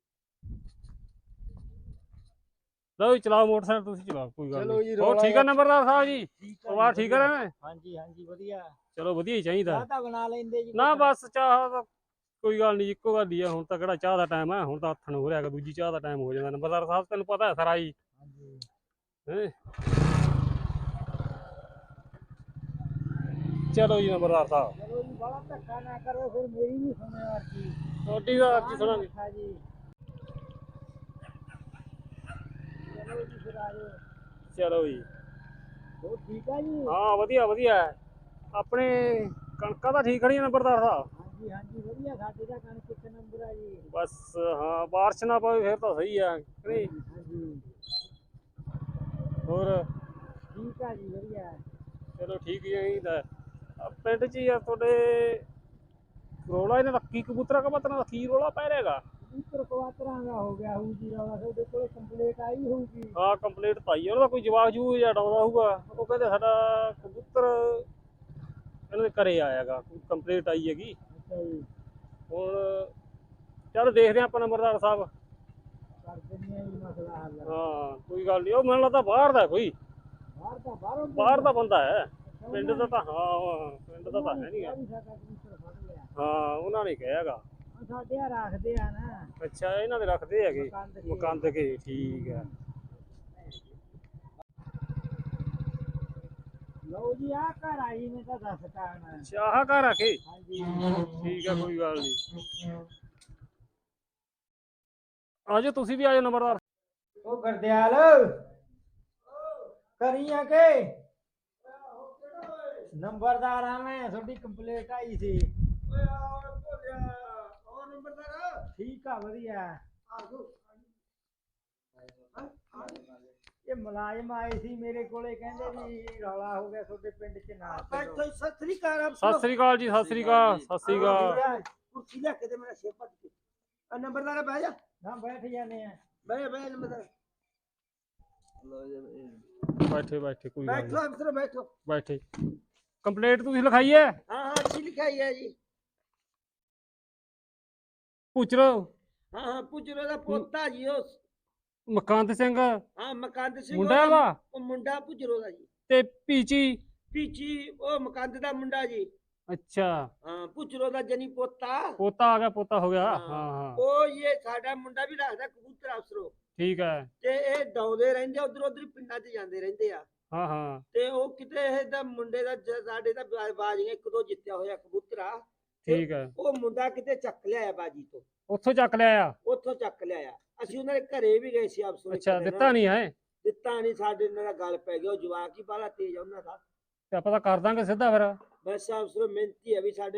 Speaker 6: ਲਓ ਜੀ ਚਲਾਓ ਮੋਟਰਸਾਈਕਲ, ਤੁਸੀਂ ਚਲਾਓ ਕੋਈ ਗੱਲ
Speaker 7: ਚਲੋ
Speaker 6: ਨਹੀਂ।
Speaker 7: ਜੀ,
Speaker 6: ਹੋਰ
Speaker 7: ਰੌਲਾ
Speaker 6: ਠੀਕ ਹੈ
Speaker 7: ਜਿਹਾ-
Speaker 6: ਨੰਬਰਦਾਰ ਸਾਹਿਬ ਜੀ?
Speaker 7: ਠੀਕ
Speaker 6: ਪਰਿਵਾਰ ਠੀਕ ਹੈ ਨਾ?
Speaker 7: ਹਾਂਜੀ ਹਾਂਜੀ ਵਧੀਆ
Speaker 6: ਚਲੋ ਵਧੀਆ ਹੀ ਚਾਹੀਦਾ।
Speaker 7: ਚਾਹ ਤਾਂ ਬਣਾ ਲੈਂਦੇ ਜੀ
Speaker 6: ਨਾ
Speaker 7: ਪੁੱਤ।
Speaker 6: ਬਸ ਚਾਹ ਤਾਂ ਕੋਈ ਗੱਲ ਨਹੀਂ, ਇੱਕੋ ਗੱਲ ਹੀ ਆ। ਹੁਣ ਤਾਂ ਕਿਹੜਾ ਚਾਹ ਦਾ ਟਾਈਮ ਹੈ, ਹੁਣ ਤਾਂ ਹੱਥਣ ਹੋ ਰਿਹਾ ਹੈਗਾ, ਦੂਜੀ ਚਾਹ ਦਾ ਟਾਈਮ ਹੋ ਜਾਂਦਾ। ਨੰਬਰਦਾਰ ਸਾਹਿਬ ਤੈਨੂੰ ਪਤਾ ਹੈ ਸਾਰਾ ਜੀ।
Speaker 7: ਹਾਂਜੀ
Speaker 6: ਹੈਂ। ਚਲੋ ਜੀ ਨੰਬਰਦਾਰ ਸਾਹਿਬ,
Speaker 7: ਚਲੋ ਜੀ ਬੜਾ ਧੱਕਾ ਨਾ ਕਰੋ ਫਿਰ ਮੇਰੀ ਵੀ ਸੁਣਿਓ ਅਰਜੀ
Speaker 6: ਤੁਹਾਡੀ ਦਾ ਅੱਜ ਸੁਣਾਂਗੇ।
Speaker 7: ਹਾਂ ਜੀ ਚਲੋ ਜੀ ਫਿਰ ਆਜੋ
Speaker 6: ਚਲੋ ਜੀ,
Speaker 7: ਉਹ ਠੀਕ ਆ ਜੀ
Speaker 6: ਹਾਂ ਵਧੀਆ ਵਧੀਆ ਹੈ। ਆਪਣੇ ਕਣਕਾਂ ਤਾਂ ਠੀਕ ਖੜੀਆਂ ਨੰਬਰਦਾਰ ਸਾਹਿਬ?
Speaker 7: ਹਾਂਜੀ ਹਾਂਜੀ ਵਧੀਆ ਸਾਡੇ ਦਾ ਕਣਕ ਇੱਕ ਨੰਬਰ ਆ ਜੀ
Speaker 6: ਬਸ ਹਾਂ, ਬਾਰਿਸ਼ ਨਾ ਪਵੇ ਫਿਰ ਤਾਂ ਸਹੀ ਆ ਕਿ ਨਹੀਂ?
Speaker 7: ਹਾਂਜੀ
Speaker 6: ਹੋਰ
Speaker 7: ਠੀਕ ਆ ਜੀ ਵਧੀਆ
Speaker 6: ਚਲੋ ਠੀਕ ਹੀ ਚਾਹੀਦਾ। ਆਹ ਪਿੰਡ 'ਚ ਯਾਰ ਤੁਹਾਡੇ ਰੋਲਾ ਇਹਨਾਂ ਦਾ ਕੀ ਕਬੂਤਰਾਂ ਕਬੂਤਰਾਂ ਦਾ ਕੀ ਰੋਲਾ ਪੈ ਰਿਹਾਗਾ?
Speaker 7: ਕਬੂਤਰ ਕਵਾਤਰਾਂ ਦਾ ਹੋ ਗਿਆ ਹੋਊ ਜੀ ਰੌਲਾ ਤੁਹਾਡੇ ਕੋਲ ਕੰਪਲੀਟ ਆਈ ਹੋਊਗੀ
Speaker 6: ਹਾਂ ਕੰਪਲੀਟ ਤਾਂ ਆਈ ਆ। ਉਹਨਾਂ ਦਾ ਕੋਈ ਜਵਾਬ ਜੂ ਜਾਂ ਡਾਉਂਦਾ ਹੋਊਗਾ। ਉਹ ਕਹਿੰਦੇ ਸਾਡਾ ਕਬੂਤਰ ਇਹਨਾਂ ਦੇ ਘਰੇ ਆਇਆਗਾ, ਕੰਪਲੀਟ ਆਈ ਹੈਗੀ।
Speaker 7: ਅੱਛਾ ਜੀ
Speaker 6: ਹੁਣ ਚੱਲ ਦੇਖਦੇ ਹਾਂ ਆਪਾਂ ਨੰਬਰਦਾਰ ਸਾਹਿਬ।
Speaker 7: ਕਰ ਦਿੰਦੇ ਆ ਜੀ ਮਸਲਾ ਹੱਲ
Speaker 6: ਹਾਂ ਕੋਈ ਗੱਲ ਨਹੀਂ। ਉਹ ਮੈਨੂੰ ਲੱਗਦਾ ਬਾਹਰ ਦਾ ਕੋਈ,
Speaker 7: ਬਾਹਰ ਦਾ ਬਾਹਰੋਂ
Speaker 6: ਬਾਹਰ ਦਾ ਬੰਦਾ ਹੈ। ਪਿੰਡ ਦਾ ਤਾਂ ਹਾਂ ਪਿੰਡ ਦਾ ਤਾਂ ਹੈ ਨਹੀਂ ਗਾ।
Speaker 7: ਸਾਡਾ ਕਬੂਤਰ ਫੜ ਲਿਆ
Speaker 6: ਹਾਂ ਉਹਨਾਂ ਨੇ ਕਿਹਾ ਹੈਗਾ।
Speaker 7: ਉਹ ਸਾਡੇ ਆ ਰੱਖਦੇ ਆ ਨਾ
Speaker 6: ਅੱਛਾ ਇਹਨਾਂ ਦੇ ਰੱਖਦੇ ਹੈਗੇ
Speaker 7: ਕੰਦ ਕੇ
Speaker 6: ਮਕੰਦ ਕੇ, ਠੀਕ ਹੈ।
Speaker 7: ਲਓ ਜੀ ਆ ਘਰ ਆਈ ਨੇ ਤਾਂ ਦੱਸਤਾ ਨਾ
Speaker 6: ਚਾਹ ਘਰ ਆ ਕੇ,
Speaker 7: ਹਾਂਜੀ
Speaker 6: ਠੀਕ ਹੈ ਕੋਈ ਗੱਲ ਨਹੀਂ। ਆਜੋ ਤੁਸੀਂ ਵੀ ਆਜੋ ਨੰਬਰਦਾਰ।
Speaker 7: ਉਹ ਗਰਦਿਆਲ ਕਰੀਆਂ ਕੇ ਨੰਬਰਦਾਰ ਆ ਮੈਂ ਤੁਹਾਡੀ ਕੰਪਲੀਟ ਆਈ ਸੀ
Speaker 3: ਓਏ ਆ ਭੋਲਿਆ ਹੋਰ ਨੰਬਰਦਾਰ
Speaker 7: ਠੀਕ ਆ ਵਧੀਆ
Speaker 3: ਆਜੋ
Speaker 7: ਇਹ ਮੁਲਾਜ਼ਮ ਆਏ ਸੀ ਮੇਰੇ ਕੋਲੇ ਕਹਿੰਦੇ ਵੀ ਰੌਲਾ ਹੋ ਗਿਆ ਤੁਹਾਡੇ ਪਿੰਡ ਚ ਨਾ
Speaker 3: ਬੈਠੋ ਸਤਿ ਸ੍ਰੀ ਅਕਾਲ।
Speaker 6: ਸਤਿ ਸ੍ਰੀ ਅਕਾਲ ਜੀ, ਸਤਿ ਸ੍ਰੀ ਅਕਾਲ, ਸਤਿ ਸ੍ਰੀ ਅਕਾਲ।
Speaker 3: ਕੁਰਸੀ ਲੈ ਕੇ ਤੇ ਮੇਰਾ ਸਿਰ ਪੱਟ ਕੇ ਆ ਨੰਬਰਦਾਰ ਬਹਿ ਜਾ
Speaker 7: ਨਾ ਬੈਠ ਜਾਂਦੇ ਆ
Speaker 3: ਬਹਿ ਬਹਿ ਨੰਬਰਦਾਰ
Speaker 6: ਬੈਠੇ ਬੈਠੇ ਕੋਈ ਗੱਲ
Speaker 3: ਬੈਠੋ
Speaker 6: ਨਹੀਂ,
Speaker 3: ਅਫਸਰ ਬੈਠੋ।
Speaker 6: ਬੈਠੇ। ਕੰਪਲੀਟ ਤੁਸੀਂ ਲਿਖਾਈ ਹੈ?
Speaker 3: ਹਾਂ ਹਾਂ ਅੱਛੀ ਲਿਖਾਈ ਹੈ ਜੀ।
Speaker 6: ਪੁੱਛ ਲਓ
Speaker 3: ਹਾਂ ਹਾਂ ਪੁੱਜਰੋ ਦਾ ਪੋਤਾ ਜੀ ਉਹ
Speaker 6: ਮਕੰਦ ਸਿੰਘ
Speaker 3: ਹਾਂ ਮਕੰਦ ਸਿੰਘ
Speaker 6: ਮੁੰਡਾ
Speaker 3: ਉਹਦਾ-
Speaker 6: ਵਾ
Speaker 3: ਉਹ ਮੁੰਡਾ ਪੁੱਜਰੋ ਦਾ ਜੀ।
Speaker 6: ਤੇ ਪੀਚੀ।
Speaker 3: ਪੀਚੀ ਉਹ ਮਕੰਦ ਦਾ ਮੁੰਡਾ ਜੀ।
Speaker 6: ਅੱਛਾ
Speaker 3: ਹਾਂ ਪੁੱਜਰੋ ਦਾ ਜਨੀ ਪੋਤਾ।
Speaker 6: ਪੋਤਾ ਆ ਗਿਆ, ਪੋਤਾ ਹੋ ਗਿਆ।
Speaker 3: ਹਾਂ।
Speaker 6: ਹਾਂ ਹਾਂ
Speaker 3: ਉਹ ਇਹ ਸਾਡਾ ਮੁੰਡਾ ਵੀ ਰੱਖਦਾ ਕਬੂਤਰ ਅਫਸਰੋ
Speaker 6: ਠੀਕ ਹੈ।
Speaker 3: ਤੇ ਇਹ ਡਾਉਂਦੇ ਰਹਿੰਦੇ ਉਧਰ ਉਧਰ ਪਿੰਡਾਂ 'ਚ ਜਾਂਦੇ ਰਹਿੰਦੇ ਆ।
Speaker 6: ਹਾਂ ਹਾਂ
Speaker 3: ਤੇ ਉਹ ਕਿਤੇ ਇਹ ਦਾ ਮੁੰਡੇ ਦਾ ਜ- ਸਾਡੇ ਦਾ ਬਾ- ਬਾਜ਼ੀਆਂ ਇੱਕ ਦੋ ਜਿੱਤਿਆ ਹੋਇਆ ਕਬੂਤਰਾ। ਤੇ
Speaker 6: ਠੀਕ ਹੈ।
Speaker 3: ਉਹ ਮੁੰਡਾ ਕਿਤੇ ਚੱਕ ਲਿਆਇਆ ਬਾਜੀ ਤੋਂ,
Speaker 6: ਉੱਥੋਂ ਚੱਕ ਲਿਆ ਆ?
Speaker 3: ਉੱਥੋਂ ਚੱਕ ਲਿਆਇਆ। ਅਸੀਂ ਉਹਨਾਂ ਦੇ ਘਰੇ ਵੀ ਗਏ ਸੀ ਅਫਸਰ।
Speaker 6: ਅੱਛਾ ਦਿੱਤਾ ਨਹੀਂ ਹੈ?
Speaker 3: ਦਿੱਤਾ ਨਹੀਂ, ਸਾਡੇ ਨਾਲ ਦਾ ਗੱਲ ਪੈ ਗਿਆ। ਉਹ ਜਵਾਕ ਹੀ ਬਾਲਾ ਤੇਜ਼ ਆ ਉਹਨਾਂ ਦਾ।
Speaker 6: ਤੇ ਆਪਾਂ ਤਾਂ ਕਰ ਦਾਂਗੇ ਸਿੱਧਾ ਫਿਰ।
Speaker 3: ਬਸ ਅਫਸਰ ਮਿਹਨਤੀ ਹੈ ਵੀ ਸਾਡੇ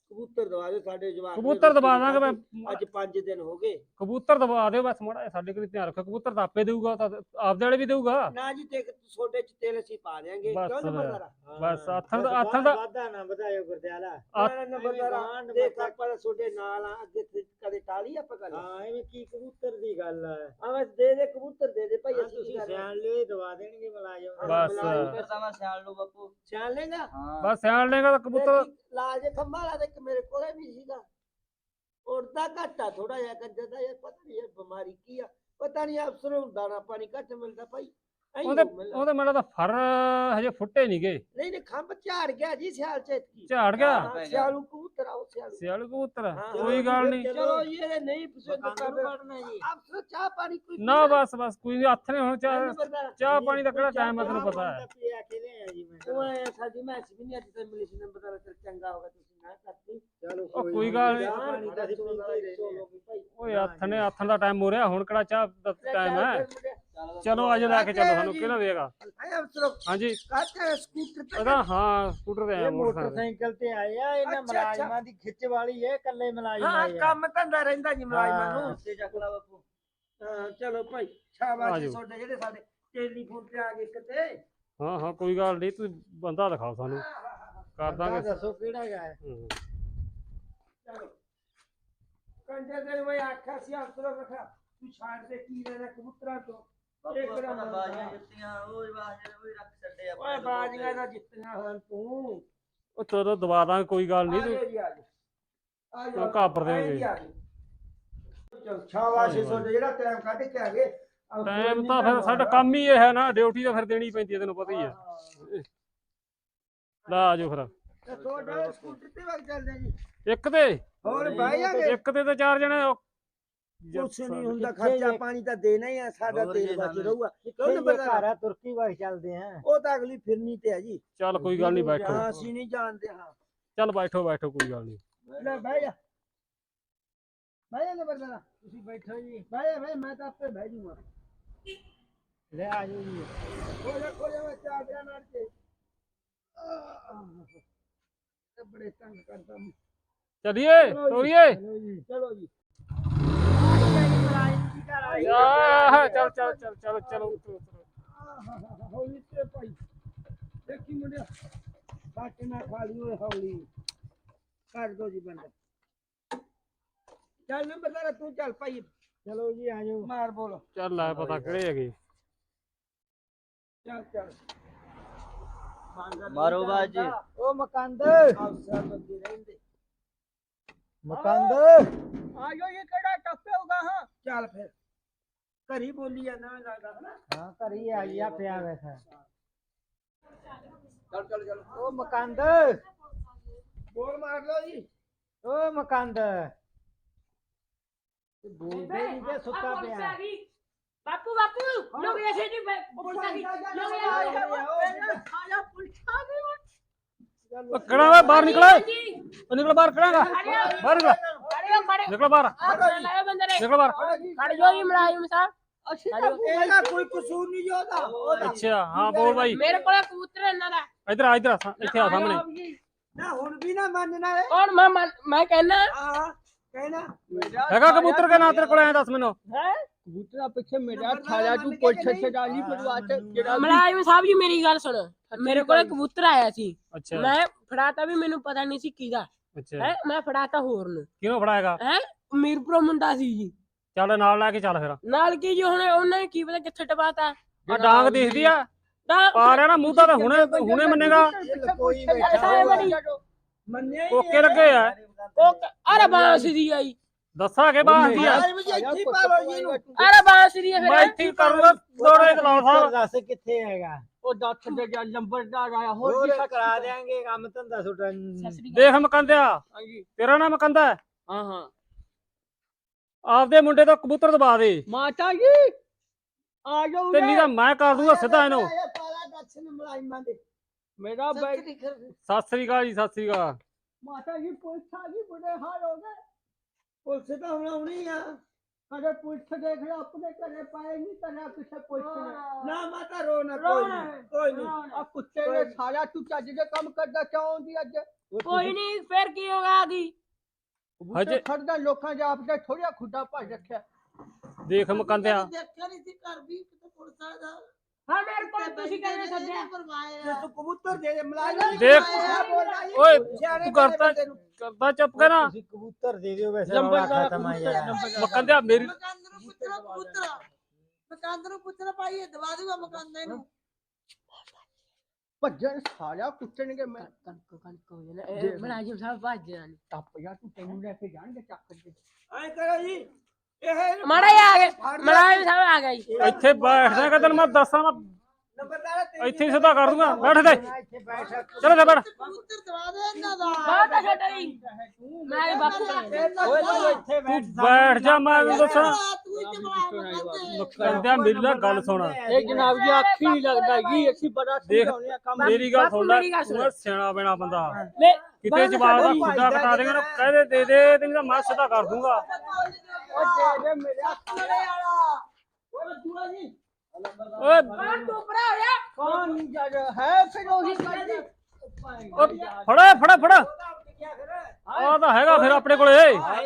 Speaker 3: ਕਬੂਤਰ ਦਵਾ ਦਿਓ ਸਾਡੇ ਜਵਾਕ ਨੇ
Speaker 6: ਕਬੂਤਰ ਦਵਾ
Speaker 3: ਰੋਟੀ
Speaker 6: ਦਾਂਗੇ
Speaker 3: ਖਾਧੀ।
Speaker 6: ਮੈਂ
Speaker 3: ਅੱਜ ਪੰਜ ਦਿਨ ਹੋ ਗਏ।
Speaker 6: ਕਬੂਤਰ ਦਵਾ ਦਿਓ ਬਸ ਮਾੜਾ ਜਿਹਾ ਸਾਡੇ ਕੋਲ ਧਿਆਨ ਰੱਖੋ। ਕਬੂਤਰ ਤਾਂ ਆਪੇ ਦੇਊਗਾ, ਤਾਂ ਆਪਦੇ ਵਾਲੇ ਵੀ ਦੇਊਗਾ।
Speaker 3: ਨਾ ਜੀ ਤੇ ਛੋਟੇ ਚ ਤੇਲ ਅਸੀਂ ਪਾ ਦਿਆਂਗੇ
Speaker 6: ਬਸ
Speaker 3: ਕਿਉਂ ਨੰਬਰਦਾਰਾ?
Speaker 6: ਬਸ ਆਥਣ ਦਾ ਆਥਣ ਦਾ
Speaker 7: ਵਾਦਾ ਨਾ ਵਧਾਇਓ ਗੁਰਦਿਆਲਾ।
Speaker 3: ਨਾ ਨੰਬਰਦਾਰਾ ਦੇਖ ਆਪਾਂ ਤਾਂ ਛੋਟੇ ਨਾਲ ਆ, ਅੱਗੇ ਤੇ ਕਦੇ ਟਾਲੀ ਆਪਾਂ ਕਰ
Speaker 7: ਹਾਂ ਐਵੇਂ ਕੀ ਕਬੂਤਰ ਦੀ ਗੱਲ ਆ।
Speaker 3: ਆ ਬਸ ਦੇ ਦੇ ਕਬੂਤਰ ਦੇ ਦੇ ਭਾਈ
Speaker 7: ਹਾਂ,
Speaker 3: ਅਸੀਂ
Speaker 7: ਤੁਸੀਂ
Speaker 3: ਕੀ ਕਰਨਾ?
Speaker 7: ਸਿਆਣ ਲਿਓ ਦਵਾ ਦੇਣਗੇ ਮਲਾਜਮ।
Speaker 6: ਬਸ
Speaker 5: ਫਿਰ ਤਾਂ ਮੈਂ ਸਿਆਣ ਲੂ ਬਾਪੂ।
Speaker 3: ਸਿਆਣ ਲੇਗਾ
Speaker 5: ਹਾਂ
Speaker 6: ਬਸ ਸਿਆਣ ਲੇਗਾ ਤਾਂ ਕਬੂਤਰ।
Speaker 3: ਲਾਲ ਜੇ ਖੰਭਾ ਲਾ ਦੇ ਇੱਕ ਮੇਰੇ ਕੋਲੇ ਵੀ ਸੀਗਾ। ਉੜਦਾ ਘੱਟਾ ਥੋੜਾ ਜਿਹਾ ਕੰਜਰ ਦਾ ਯਾਰ, ਪਤਾ ਨਹੀਂ ਇਹ ਬਿਮਾਰੀ ਕੀ ਆ। ਪਤਾ ਨਹੀਂ ਅਫਸਰ ਨੂੰ ਦਾਣਾ ਪਾਣੀ ਘੱਟ ਮਿਲਦਾ ਭਾਈ। ਐਂ
Speaker 6: ਉਹਦੇ
Speaker 3: ਹੋ ਮਿਲਦਾ।
Speaker 6: ਉਹਦੇ ਮੈਨੂੰ ਤਾਂ ਫਰ ਹਜੇ ਫੁੱਟੇ ਨਹੀਂ ਗਏ।
Speaker 3: ਨਹੀਂ ਨਹੀਂ ਖੰਭ ਝਾੜ ਗਿਆ ਜੀ ਸਿਆਲ ਚ ਇਤਕੀ।
Speaker 6: ਝਾੜ ਗਿਆ
Speaker 3: ਹਾਂ, ਸਿਆਲੂ ਕਬੂਤਰ ਆਓ ਸਿਆਲੂ।
Speaker 6: ਸਿਆਲ ਕਬੂਤਰ ਆ।
Speaker 3: ਹਾਂ,
Speaker 6: ਕੋਈ ਗੱਲ ਨਹੀਂ।
Speaker 3: ਚਲੋ ਜੀ ਇਹਦੇ ਨਹੀਂ ਪਸੰਦ
Speaker 7: ਮਕਾਨ
Speaker 3: ਕਰਦੇ
Speaker 7: ਕੱਢਣਾ ਜੀ।
Speaker 3: ਅਫਸਰ ਚਾਹ ਪਾਣੀ ਕੋਈ
Speaker 6: ਨਾ ਬਸ ਬਸ ਕੋਈ ਨਹੀਂ, ਹੱਥ ਨੇ ਹੁਣ ਚਾਹ
Speaker 3: ਨੰਬਰਦਾਰ
Speaker 6: ਚਾਹ ਪਾਣੀ ਦਾ ਕਿਹੜਾ ਟਾਈਮ ਹੈ ਤੈਨੂੰ
Speaker 7: ਚਾਹ
Speaker 6: ਪਤਾ
Speaker 7: ਪਾਣੀ
Speaker 6: ਹੈ।
Speaker 7: ਤਾਂ ਪੀਆ ਕੇ ਲਿਆਇਆ ਜੀ ਮੈਂ।
Speaker 3: ਉਹ ਐ ਸਾਡੀ ਮੈਚ ਵੀ ਨਹੀਂ ਅੱਜ ਤੇ ਮਿਲਿਸ਼ ਨੰਬਰਦਾਰ ਤੇ ਚੰਗਾ ਹੋਗਾ ਤੁਸੀਂ ਨਾ ਕਰਤੀ।
Speaker 7: ਚਲੋ
Speaker 6: ਉਹ ਕੋਈ ਗੱਲ ਨੀ।
Speaker 7: ਚਾਹ ਪਾਣੀ ਤਾਂ ਅਸੀਂ ਪੀਂਦੇ ਹੀ ਰਹਿੰਦੇ ਆ।
Speaker 6: ਓਏ ਹੱਥ ਨੇ ਹੱਥ ਦਾ ਟਾਈਮ ਹੋ ਰਿਹਾ, ਹੁਣ ਕਿਹੜਾ ਚਾਹ ਦਾ ਟਾਈਮ ਹੈ।
Speaker 5: ਚਲੋ
Speaker 6: ਚਲੋ ਅੱਜ ਲੈ ਕੇ ਚੱਲੋ ਸਾਨੂੰ, ਕਿਹੜਾ ਦੇਗਾ।
Speaker 3: ਆਇਆ ਅਫਸਰ
Speaker 6: ਹਾਂਜੀ
Speaker 3: ਕਾਹਤੇ ਸਕੂਟਰ ਤੇ
Speaker 6: ਉਹਦਾ ਹਾਂ ਸਕੂਟਰ ਤੇ ਆਇਆ
Speaker 7: ਇਹ
Speaker 6: ਮੋਟਰਸਾਈਕਲ।
Speaker 7: ਮੋਟਰਸਾਈਕਲ ਤੇ ਆਏ ਆ, ਇਹਨਾਂ
Speaker 3: ਅੱਛਾ, ਅੱਛਾ।
Speaker 7: ਮਲਾਜਮਾਂ ਦੀ ਖਿੱਚ ਵਾਲੀ ਹੈ, ਇਕੱਲੇ ਮਲਾਜਮ
Speaker 3: ਹਾਂ
Speaker 7: ਆਏ ਆ।
Speaker 3: ਕੰਮ ਧੰਦਾ ਰਹਿੰਦਾ ਜੀ ਮੁਲਾਜ਼ਮਾਂ ਨੂੰ।
Speaker 5: ਤੇ ਚੱਕ ਲਾ ਬਾਪੂ।
Speaker 3: ਹਾਂ ਚਲੋ ਭਾਈ ਸ਼ਾਬਾਸ਼ ਜੀ
Speaker 6: ਆਜੋ।
Speaker 3: ਤੁਹਾਡੇ ਜਿਹੜੇ ਸਾਡੇ ਟੈਲੀਫੋਨ ਤੇ ਆ ਗਏ ਕਿਤੇ।
Speaker 6: ਹਾਂ ਹਾਂ ਕੋਈ ਗੱਲ ਨਹੀਂ, ਤੁਸੀਂ ਬੰਦਾ ਦਿਖਾਓ ਸਾਨੂੰ, ਕਰ
Speaker 7: ਬੰਦਾ
Speaker 6: ਦਾਂਗੇ।
Speaker 7: ਦੱਸੋ ਕਿਹੜਾ ਹੈ।
Speaker 6: ਹੂੰ।
Speaker 3: ਚਲੋ ਕੰਜੇ ਦੇ ਵੇ ਆਖਿਆ ਸੀ ਅਫਸਰ ਰੱਖਾ ਤੂੰ ਛਾੜ ਦੇ ਕੀ ਲੈਣਾ ਕਬੂਤਰਾਂ ਤੋਂ।
Speaker 5: ਬਾਪੂ
Speaker 3: ਇੱਕ
Speaker 5: ਆਪਾਂ
Speaker 3: ਨੰਬਰ
Speaker 5: ਤਾਂ ਬਾਜੀਆਂ
Speaker 3: ਦਾ।
Speaker 5: ਜਿੱਤੀਆਂ, ਉਹ ਬਾਜੀਆਂ ਉਹ ਰੱਖ ਛੱਡੇ
Speaker 3: ਓਏ ਬਾਜੀਆਂ ਦਾ ਜਿੱਤਣਾ ਹਨ ਤੂੰ।
Speaker 6: ਉਹ ਚਲੋ ਦਵਾ ਦਾਂਗੇ, ਕੋਈ ਗੱਲ ਨਹੀਂ।
Speaker 3: ਆਜੋ ਜੀ ਆਜੋ ਆਜੋ
Speaker 6: ਕਿਉਂ ਘਾਬਰ ਦਿਓਗੇ?
Speaker 3: ਚਲ ਸ਼ਾਬਾਸ਼ ਜੀ ਤੁਹਾਡੇ ਜਿਹੜਾ ਟਾਈਮ ਕੱਢ ਕੇ ਆ ਗਏ। ਅਫਸਰ
Speaker 6: ਟਾਈਮ
Speaker 3: ਨਹੀਂ
Speaker 6: ਤਾਂ ਫਿਰ ਸਾਡਾ ਕੰਮ ਹੀ ਇਹ ਹੈ ਨਾ, ਡਿਊਟੀ ਤਾਂ ਫਿਰ ਦੇਣੀ ਪੈਂਦੀ ਹੈ, ਤੈਨੂੰ ਪਤਾ ਹੀ ਹੈ। ਲਾ ਆਜੋ ਫਿਰ
Speaker 3: ਤੇ ਤੁਹਾਡਾ ਸਕੂਟਰ ਤੇ ਵਗ ਚੱਲਦੇ ਆ ਜੀ।
Speaker 6: ਇੱਕ ਤੇ
Speaker 3: ਹੋਰ ਬਾਈ ਆਗੇ
Speaker 6: ਇੱਕ ਤੇ ਤਾਂ ਚਾਰ ਜਣੇ ਉਹ-
Speaker 3: ਕੁਛ ਨਹੀਂ ਹੁੰਦਾ,
Speaker 7: ਕਿੱਥੇ
Speaker 3: ਖਰਚਾ
Speaker 7: ਜੇ-
Speaker 3: ਪਾਣੀ ਤਾਂ ਦੇਣਾ ਹੀ ਆ, ਸਾਡਾ
Speaker 5: ਹੋਰ
Speaker 3: ਤੇਲ
Speaker 5: ਜੀ
Speaker 3: ਬਚ
Speaker 5: ਸਾਨੂੰ।
Speaker 3: ਰਹੂਗਾ।
Speaker 7: ਕਿਉਂ
Speaker 3: ਕਿਉਂ
Speaker 7: ਘਰ
Speaker 3: ਨੰਬਰਦਾਰ
Speaker 7: ਆ ਤੁਰਕੀ ਵਗ ਚੱਲਦੇ ਆ।
Speaker 3: ਉਹ ਤਾਂ ਅਗਲੀ ਫਿਰਨੀ ਤੇ ਹੈ ਜੀ।
Speaker 6: ਚੱਲ ਕੋਈ ਗੱਲ ਨਹੀਂ, ਬੈਠੋ।
Speaker 3: ਹਾਂ ਅਸੀਂ ਨਹੀਂ ਜਾਣਦੇ। ਹਾਂ
Speaker 6: ਚੱਲ ਬੈਠੋ ਬੈਠੋ, ਕੋਈ ਗੱਲ ਨਹੀਂ।
Speaker 3: ਲੈ ਬਹਿ ਜਾ ਬਹਿ ਜਾ ਨੰਬਰਦਾਰ, ਤੁਸੀਂ ਬੈਠੋ ਜੀ। ਬਹਿ ਜਾ ਬਹਿ, ਮੈਂ ਤਾਂ ਆਪੇ ਬਹਿ ਜੂਗਾ।
Speaker 7: ਲੈ ਆ ਜਾਓ ਜੀ।
Speaker 3: ਹੋ ਜਾ ਖੋ ਜਾ ਮੈਂ ਚਾਦਰਾਂ ਨਾਲ ਕੇ ਤੇ ਬੜੇ ਤੰਗ ਕਰਦਾ ਮੈਂ।
Speaker 6: ਚਲਿਏ ਤੋਰੀਏ।
Speaker 7: ਚਲੋ ਜੀ।
Speaker 3: ਚਲੋ ਜੀ
Speaker 6: ਆਹ, ਚੱਲ ਚੱਲ ਚੱਲ ਚਲੋ ਚਲੋ ਉਤਰੋ, ਉਤਰੋ।
Speaker 3: ਹੌਲੀ ਤੇ ਭਾਈ ਦੇਖੀ ਮੁੰਡਿਆ ਬਾਕੀ ਨਾ ਖਾ ਲਈ ਓਏ ਹੌਲੀ ਕਰ ਦੋ ਜੀ ਬੰਦਾ। ਚੱਲ ਨੰਬਰਦਾਰ ਤੂੰ ਚੱਲ ਭਾਈ
Speaker 7: ਚਲੋ ਜੀ ਆ ਜਾਓ।
Speaker 3: ਮਾਰ ਬੋਲ।
Speaker 6: ਚੱਲ ਲੈ ਪਤਾ ਕਿਹੜੇ ਹੈਗੇ।
Speaker 3: ਚੱਲ ਚੱਲ
Speaker 5: ਮਾਰੋ ਬਾਜੀ।
Speaker 7: ਉਹ ਮਕੰਦ
Speaker 3: ਅਫਸਰ ਲੱਗੇ ਰਹਿੰਦੇ।
Speaker 7: ਮਕੰਦ
Speaker 3: ਆਜੋ ਇਹ ਕਿਹੜਾ ਟੱਪੇ ਹੋਗਾ। ਹਾਂ ਚੱਲ ਫਿਰ ਘਰੀ ਬੋਲੀ ਜਾਂਦਾ ਮੈਂ ਲੱਗਦਾ ਹਨਾ।
Speaker 7: ਹਾਂ ਘਰੀ ਆ ਗਿਆ ਪਿਆ ਵੈਸਾ।
Speaker 3: ਚੱਲ ਚੱਲ ਚੱਲ
Speaker 7: ਉਹ ਮਕੰਦ
Speaker 3: ਬੋਲ ਮਾਰ ਲਓ ਜੀ।
Speaker 7: ਉਹ ਮਕੰਦ ਬੋਲਦੇ ਨਹੀਂ ਤੇ ਸੁੱਤਾ ਪਿਆ।
Speaker 8: ਬਾਪੂ ਬਾਪੂ ਲੋਕ ਐਸੇ ਨਹੀਂ ਪੁਲਿਸ ਆ ਗਈ ਲੋਕ ਆਇਆ ਪੁਲਿਸ ਆ ਗਈ
Speaker 6: ਉਹ ਕਿਹੜਾ ਵਾ ਬਾਹਰ ਨਿਕਲ, ਉਹ ਨਿਕਲ ਬਾਹਰ, ਕਿਹੜਾਗਾ ਬਾਹਰ ਨਿਕਲ,
Speaker 8: ਖੜੇ ਖੜੇ
Speaker 6: ਨਿਕਲ ਬਾਹਰ,
Speaker 8: ਆ ਲਾਇਆ ਬੰਦੇ ਨੇ
Speaker 6: ਨਿਕਲ ਬਾਹਰ।
Speaker 8: ਖੜ ਜੋ ਜੀ ਮੁਲਾਜ਼ਮ ਸਾਹਿਬ
Speaker 3: ਇਹਦਾ ਕੋਈ ਕਸੂਰ ਨਹੀਂ ਉਹਦਾ।
Speaker 6: ਅੱਛਾ ਹਾਂ ਬੋਲ ਬਾਈ।
Speaker 8: ਮੇਰੇ ਕੋਲ ਕਬੂਤਰ ਹੈ ਇਹਨਾਂ ਦਾ।
Speaker 6: ਇੱਧਰ ਆ, ਇੱਧਰ ਆ, ਇੱਥੇ ਆ ਸਾਹਮਣੇ।
Speaker 3: ਨਾ ਹੁਣ ਵੀ ਨਾ ਮੰਨਣਾ ਹੈ।
Speaker 8: ਕੌਣ ਮੈਂ ਮੰਨ- ਮੈਂ ਕਹਿਣਾ
Speaker 3: ਹਾਂ ਕਹਿਣਾ
Speaker 6: ਹੈਗਾ ਕਬੂਤਰ ਕੇ ਨਾਂ ਤੇਰੇ ਕੋਲ, ਐ ਦੱਸ ਮੈਨੂੰ।
Speaker 8: ਹੈ
Speaker 3: ਕਬੂਤਰਾ ਪਿੱਛੇ ਮੇਰਾ ਥਾਲਿਆ ਤੂੰ ਪੁੱਛ ਛਡਾਲੀ ਪਰਵਾਹ ਤੇ ਜਿਹੜਾ
Speaker 8: ਮੁਲਾਜ਼ਮ ਸਾਹਿਬ ਜੀ ਮੇਰੀ ਗੱਲ ਸੁਣੋ। ਮੇਰੇ ਕੋਲ ਕਬੂਤਰ ਆਇਆ ਸੀ,
Speaker 6: ਅੱਛਾ
Speaker 8: ਮੈਂ ਫੜਾਤਾ ਵੀ ਮੈਨੂੰ ਪਤਾ ਨਹੀਂ ਸੀ ਕਿਹਦਾ
Speaker 6: ਅੱਛਾ,
Speaker 8: ਹੈ। ਮੈਂ ਫੜਾਤਾ ਹੋਰ ਨੂੰ
Speaker 6: ਕਿਹਨੂੰ ਫੜਾਏਗਾ?
Speaker 8: ਹੈ ਮੀਰਪੁਰ ਮੁੰਡਾ ਸੀ ਜੀ।
Speaker 6: ਚੱਲ ਨਾਲ ਲੈ ਕੇ ਚੱਲ ਫਿਰ।
Speaker 8: ਨਾਲ ਕੀ ਜੀ ਹੁਣ ਉਹਨੇ ਕੀ ਪਤਾ ਕਿੱਥੇ ਟਪਾਤਾ।
Speaker 6: ਆ ਡਾਂਗ ਦਿਖਦੀ ਆ,
Speaker 8: ਤਾਂ
Speaker 6: ਪਾ ਰਿਹਾ ਨਾ ਮੂੰਹ ਤਾਂ ਹੁਣੇ ਹੁਣੇ ਮੰਨੇਗਾ।
Speaker 7: ਕੋਈ
Speaker 8: ਐਸਾ ਬੜੀ
Speaker 3: ਮੰਨਿਆ
Speaker 6: ਕੋਕੇ ਲੱਗੇ ਆ,
Speaker 8: ਉਹ ਅਰੇ ਬਾਂਸ ਦੀ ਆਈ।
Speaker 6: ਦੱਸਾਂ ਕਿ ਬਾਹਰ ਦੀ ਆ।
Speaker 3: ਇੱਥੇ ਪਾ ਲਓ ਜੀ ਇਹਨੂੰ।
Speaker 8: ਅਰੇ ਬਾਂਸ ਦੀ ਹੈ
Speaker 6: ਮੈਂ
Speaker 8: ਫਿਰ
Speaker 6: ਇੱਥੇ ਹੀ ਕਰੂੰਗਾ ਦੋੜੇ ਕਲਾਸ ਸਾਹਿਬ।
Speaker 7: ਦੱਸ ਕਿੱਥੇ ਹੈਗਾ।
Speaker 3: ਉਹ ਦੱਸ ਦੇ ਜਾਂ ਨੰਬਰਦਾਰ ਆਇਆ
Speaker 7: ਹੋਰ
Speaker 3: ਹੋਰ ਵੀ
Speaker 7: ਕਰਾ ਦੇਾਂਗੇ ਕੰਮ ਧੰਦਾ ਤੁਹਾਡਾ।
Speaker 6: ਦੇਖ ਮਕੰਦਿਆ,
Speaker 3: ਹਾਂਜੀ
Speaker 6: ਤੇਰਾ ਨਾਮ ਮਕੰਦਾ ਹੈ?
Speaker 3: ਹਾਂ ਹਾਂ
Speaker 6: ਆਪਦੇ ਮੁੰਡੇ ਤੋਂ ਕਬੂਤਰ ਦਬਾ ਦੇ,
Speaker 3: ਮਾਤਾ ਜੀ ਆ ਜਾਓ
Speaker 6: ਤੇ ਨਹੀਂ ਤਾਂ ਮੈਂ ਕਰ ਦੂੰਗਾ ਸਿੱਧਾ ਇਹਨੂੰ।
Speaker 3: ਪਾਲਾ ਦੱਸਣ ਮੁਲਾਜ਼ਮਾਂ ਦੇ ਮੇਰਾ
Speaker 6: ਸਤਿ ਸ੍ਰੀ ਅਕਾਲ ਜੀ, ਸਤਿ ਸ੍ਰੀ ਅਕਾਲ।
Speaker 3: ਮਾਤਾ ਜੀ ਪੁਲਿਸ ਆ ਗਈ ਬੁੜੇ ਹਾਲ ਹੋ ਗਏ। ਪੁਲਿਸ ਤਾਂ ਹੁਣ ਆਉਣੀ ਆ। ਕਦੇ ਪੁੱਛ ਦੇਖ ਲੈ ਆਪਣੇ ਘਰੇ ਪਾਏ ਨਹੀਂ ਤੇਰਾ ਕਿਸੇ ਪੁੱਛਣੇ ਨਾ ਮਾਤਾ ਰੋ ਨਾ ਕੋਈ ਨਹੀਂ ਕੋਈ ਨਹੀਂ ਆ ਕੁੱਤੇ ਨੇ ਸਾਰਾ ਤੂੰ ਚੱਜ ਦੇ ਕੰਮ ਕਰਦਾ ਚਾਹੁੰਦੀ ਅੱਜ
Speaker 8: ਕੋਈ ਨਹੀਂ ਫਿਰ ਕੀ ਹੋਗਾ ਆਦੀ
Speaker 6: ਹਜੇ
Speaker 3: ਖੜਦਾ ਲੋਕਾਂ ਦੇ ਆਪ ਦਾ ਥੋੜਾ ਖੁੱਡਾ ਭੱਜ ਰੱਖਿਆ
Speaker 6: ਦੇਖ ਮਕੰਦਿਆ
Speaker 3: ਦੇਖਿਆ ਨਹੀਂ ਸੀ ਘਰ ਵੀ ਕਿਤੇ ਪੁਲਿਸਾਂ ਦਾ
Speaker 8: ਹਾਂ ਮੇਰੇ ਕੋਲ ਤੁਸੀਂ ਕਹਿੰਦੇ ਸੱਜਿਆ
Speaker 3: ਤੂੰ ਕਬੂਤਰ ਦੇ ਦੇ ਮਲਾਈ
Speaker 6: ਦੇਖ ਓਏ ਤੂੰ ਕਰਤਾ ਕਰਦਾ ਚੁੱਪ ਕਰ ਨਾ
Speaker 7: ਤੁਸੀਂ ਕਬੂਤਰ ਦੇ ਦਿਓ ਵੈਸੇ ਰੌਲਾ ਖਤਮ ਆ ਯਾਰ
Speaker 6: ਮਕੰਦਿਆ ਮੇਰੀ
Speaker 3: ਮਕੰਦ ਨੂੰ ਪੁੱਛਣਾ ਕਬੂਤਰ ਮਕੰਦ ਨੂੰ ਪੁੱਛਣਾ ਭਾਈ ਦਵਾ ਦੂਗਾ ਮਕੰਦ ਨੂੰ ਭੱਜਣ ਸਾਲਿਆ ਕੁੱਟਣਗੇ ਮੈਂ
Speaker 8: ਕਣਕ ਕਣਕ ਹੋ ਜਾਣਾ ਮਲਾਜਮ ਸਾਹਿਬ ਭੱਜ ਜਾਣ
Speaker 3: ਟੱਪ ਜਾ ਤੂੰ ਤੈਨੂੰ ਲੈ ਕੇ ਜਾਣਗੇ ਚੱਕ ਕੇ ਐ ਕਰੋ ਜੀ ਇਹ
Speaker 8: ਮਾੜਾ ਹੀ ਆ ਗਏ ਮਲਾਜਮ ਸਾਹਿਬ ਆ ਗਏ
Speaker 6: ਇੱਥੇ ਬੈਠਦਾ ਕਿ ਤੈਨੂੰ ਮੈਂ ਦੱਸਾਂ ਮੈਂ
Speaker 3: ਨੰਬਰਦਾਰ
Speaker 6: ਇੱਥੇ ਹੀ ਸਿੱਧਾ ਕਰ ਦੂੰਗਾ ਬੈਠ ਦੇ
Speaker 7: ਇੱਥੇ ਬੈਠ
Speaker 6: ਚਲੋ ਜਾ ਬੈਠ
Speaker 3: ਕਬੂਤਰ ਦਵਾ ਦੇ ਇਹਨਾਂ ਦਾ
Speaker 8: ਬਹੁਤ ਆ ਛੱਡ ਰਹੀ ਮੈਂ ਵੀ ਬਾਪੂ
Speaker 7: ਓਏ ਤੂੰ ਇੱਥੇ ਬੈਠ
Speaker 6: ਤੂੰ ਬੈਠ ਜਾ ਮੈਂ ਤੈਨੂੰ ਦੱਸਾਂ
Speaker 3: ਤੂੰ ਇੱਥੇ ਬੁਲਾ
Speaker 6: ਮਕੰਦਿਆ ਮੇਰੀ ਨਾ ਗੱਲ ਸੁਣ
Speaker 3: ਇਹ ਜਨਾਬ ਜੀ ਅੱਖੀ ਨਹੀਂ ਲੱਗਦਾ ਜੀ ਅਸੀਂ ਬੜਾ
Speaker 6: ਦੇਖ
Speaker 3: ਸਮਝਾਉਂਦੇ ਆ ਕੰਮ
Speaker 6: ਮੇਰੀ ਗੱਲ ਸੁਣ ਲੈ
Speaker 8: ਮੇਰੀ ਗੱਲ ਸੁਣ।
Speaker 6: ਤੂੰ ਸਿਆਣਾ ਬੈਣਾ ਬੰਦਾ
Speaker 8: ਲੈ
Speaker 6: ਕਿਤੇ ਜਵਾਬ ਦਾ ਖੁੱਡਾ ਕਟਾ ਦੇਗਾ ਨਾ ਕਹਦੇ ਦੇ ਦੇ ਤੈਨੂੰ ਤਾਂ ਮੈਂ ਸਿੱਧਾ ਕਰ ਦੂੰਗਾ
Speaker 3: ਉਹ ਦੇ ਦੇ ਮੇਰੇ ਖਾਣੇ ਵਾਲਾ ਉਹ ਦੂਆ ਜੀ
Speaker 6: ਓਏ
Speaker 8: ਕੌਣ ਤੂੰ ਭਰਾ ਹੋਇਆ
Speaker 3: ਕੌਣ ਜੱਜ ਹੈ ਫਿਰ ਉਹੀ ਗੱਲ
Speaker 6: ਓ ਫੜਾ ਫੜਾ ਫੜਾ ਆ ਤਾਂ ਹੈਗਾ ਫਿਰ ਆਪਣੇ ਕੋਲੇ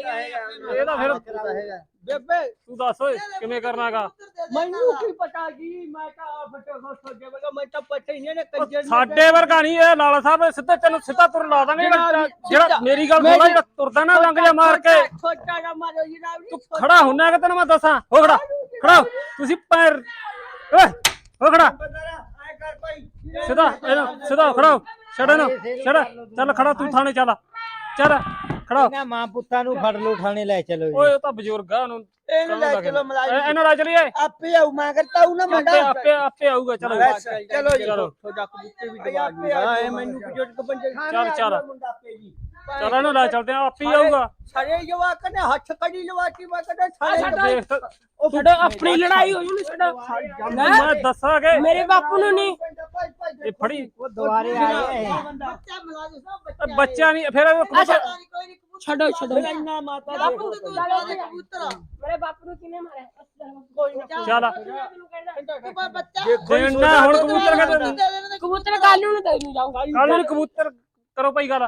Speaker 6: ਇਹ ਤਾਂ ਫਿਰ
Speaker 3: ਬੇਬੇ
Speaker 6: ਤੂੰ ਦੱਸ ਓਏ ਕਿਵੇਂ ਕਰਨਾਗਾ
Speaker 3: ਮੈਨੂੰ ਕੀ ਪਤਾ ਜੀ ਮੈਂ ਤਾਂ ਆਪ ਫਟੋ ਸੋਜੇ ਵਗਾ ਮੈਂ ਤਾਂ ਪਤਾ ਹੀ ਨਹੀਂ ਨੇ ਕੰਜਰ
Speaker 6: ਸਾਡੇ ਵਰਗਾ ਨਹੀਂ ਇਹ ਲਾਲਾ ਸਾਹਿਬ ਸਿੱਧਾ ਤੈਨੂੰ ਸਿੱਧਾ ਤੁਰ ਲਾ ਦਾਂਗੇ ਜਿਹੜਾ ਜਿਹੜਾ ਮੇਰੀ ਗੱਲ ਸੁਣ ਲੈ ਜਿਹੜਾ ਤੁਰਦਾ ਨਾ ਲੰਘ ਜਾ ਮਾਰ ਕੇ
Speaker 3: ਛੋਟਾ ਨਾ ਮਾਰੋ ਜੀ ਨਾ
Speaker 6: ਤੂੰ ਖੜਾ ਹੁੰਨਾ ਕਿ ਤੈਨੂੰ ਮੈਂ ਦੱਸਾਂ ਹੋ ਖੜਾ ਖੜਾ ਹੋ। ਤੁਸੀਂ ਪੈਰ ਓਏ ਹੋ ਖੜਾ
Speaker 3: ਐ ਕਰ ਭਾਈ
Speaker 6: ਸਿੱਧਾ ਇਹਨੂੰ ਸਿੱਧਾ ਹੋ, ਖੜਾ ਹੋ। ਛੱਡ ਇਹਨੂੰ ਛੱਡ ਚੱਲ ਖੜਾ ਤੂੰ ਥਾਣੇ ਚੱਲ ਚੱਲ ਖੜਾ ਹੋ।
Speaker 7: ਇਹਨਾਂ ਮਾਂ ਪੁੱਤਾਂ ਨੂੰ ਫੜ ਲਓ ਥਾਣੇ ਲੈ ਚਲੋ ਜੀ
Speaker 6: ਓਏ ਉਹ ਤਾਂ ਬਜ਼ੁਰਗ ਆ ਉਹਨੂੰ
Speaker 3: ਇਹਨੂੰ ਲੈ ਚਲੋ ਮਲਾਈ
Speaker 6: ਇਹਨਾਂ ਨਾਲ ਚਲੀਏ
Speaker 3: ਆਪੇ ਆਉ ਮੈਂ ਕਰਤਾ ਹੂੰ ਨਾ
Speaker 6: ਆਪੇ
Speaker 3: ਮੁੰਡਾ
Speaker 6: ਆਪੇ ਆਪੇ ਆਊਗਾ ਚਲੋ
Speaker 3: ਚਲੋ ਜੀ
Speaker 6: ਚਲੋ।
Speaker 3: ਤੁਹਾਡਾ ਕਬੂਤਰ ਵੀ ਦਵਾ ਦੂੰਗਾ ਐ ਮੈਨੂੰ ਬਜ਼ੁਰਗ ਬੰਦੇ
Speaker 6: ਚੱਲ, ਚੱਲ।
Speaker 3: ਮੁੰਡਾ ਆਪੇ ਜੀ
Speaker 6: ਚੱਲ ਇਹਨੂੰ ਲੈ ਚੱਲਦੇ ਆ ਆਪੇ ਹੀ ਆਊਗਾ
Speaker 3: ਸਾਰੇ ਜਵਾਕ ਨੇ ਹੱਥ ਕੜੀ ਲਵਾਤੀ ਮੈਂ ਕਹਿੰਦਾ
Speaker 8: ਸਾਡਾ
Speaker 3: ਸਾਰੇ
Speaker 6: ਦੇਖ ਤਾਂ-
Speaker 8: ਉਹ ਸਾਡੇ ਆਪਣੀ ਲੜਾਈ ਹੋਈ ਉਹਨੂੰ ਸਾਡਾ
Speaker 6: ਮੈਂ ਦੱਸਾਂਗੇ
Speaker 8: ਮੇਰੇ ਬਾਪੂ ਨੂੰ ਨਹੀਂ
Speaker 6: ਇਹ ਫੜੀ
Speaker 7: ਉਹ ਦੁਬਾਰੇ ਆਏ
Speaker 3: ਬੱਚਾ ਮਲਾਜ ਸਭ
Speaker 6: ਇਹ ਬੱਚਾ ਨਹੀਂ ਫਿਰ ਇਹ ਕਬੂਤਰ-
Speaker 3: ਕੋਈ ਨਹੀਂ
Speaker 8: ਛੱਡੋ ਛੱਡੋ
Speaker 3: ਇੰਨਾ ਮਾਤਾ
Speaker 8: ਬਾਪੂ
Speaker 3: ਦੇ
Speaker 8: ਤੂੰ
Speaker 3: ਦਵਾ ਦੇ
Speaker 8: ਚੱਲ
Speaker 3: ਕਬੂਤਰ
Speaker 8: ਮੇਰੇ ਬਾਪੂ ਨੂੰ ਕਿਨੇ ਮਾਰਿਆ
Speaker 3: ਕੋਈ ਨਾ
Speaker 6: ਚੱਲ
Speaker 8: ਤੈਨੂੰ ਕਹਿੰਦਾ
Speaker 3: ਤੂੰ ਬੱਚਾ
Speaker 6: ਦੇਣਾ ਹੁਣ ਕਬੂਤਰ ਕਹਿੰਦੇ
Speaker 8: ਕਬੂਤਰ ਕੱਲ ਨੂੰ ਤੈਨੂੰ ਜਾਊ
Speaker 6: ਕੱਲ ਨੂੰ ਕਬੂਤਰ ਕਰੋ ਭਾਈ ਗੱਲ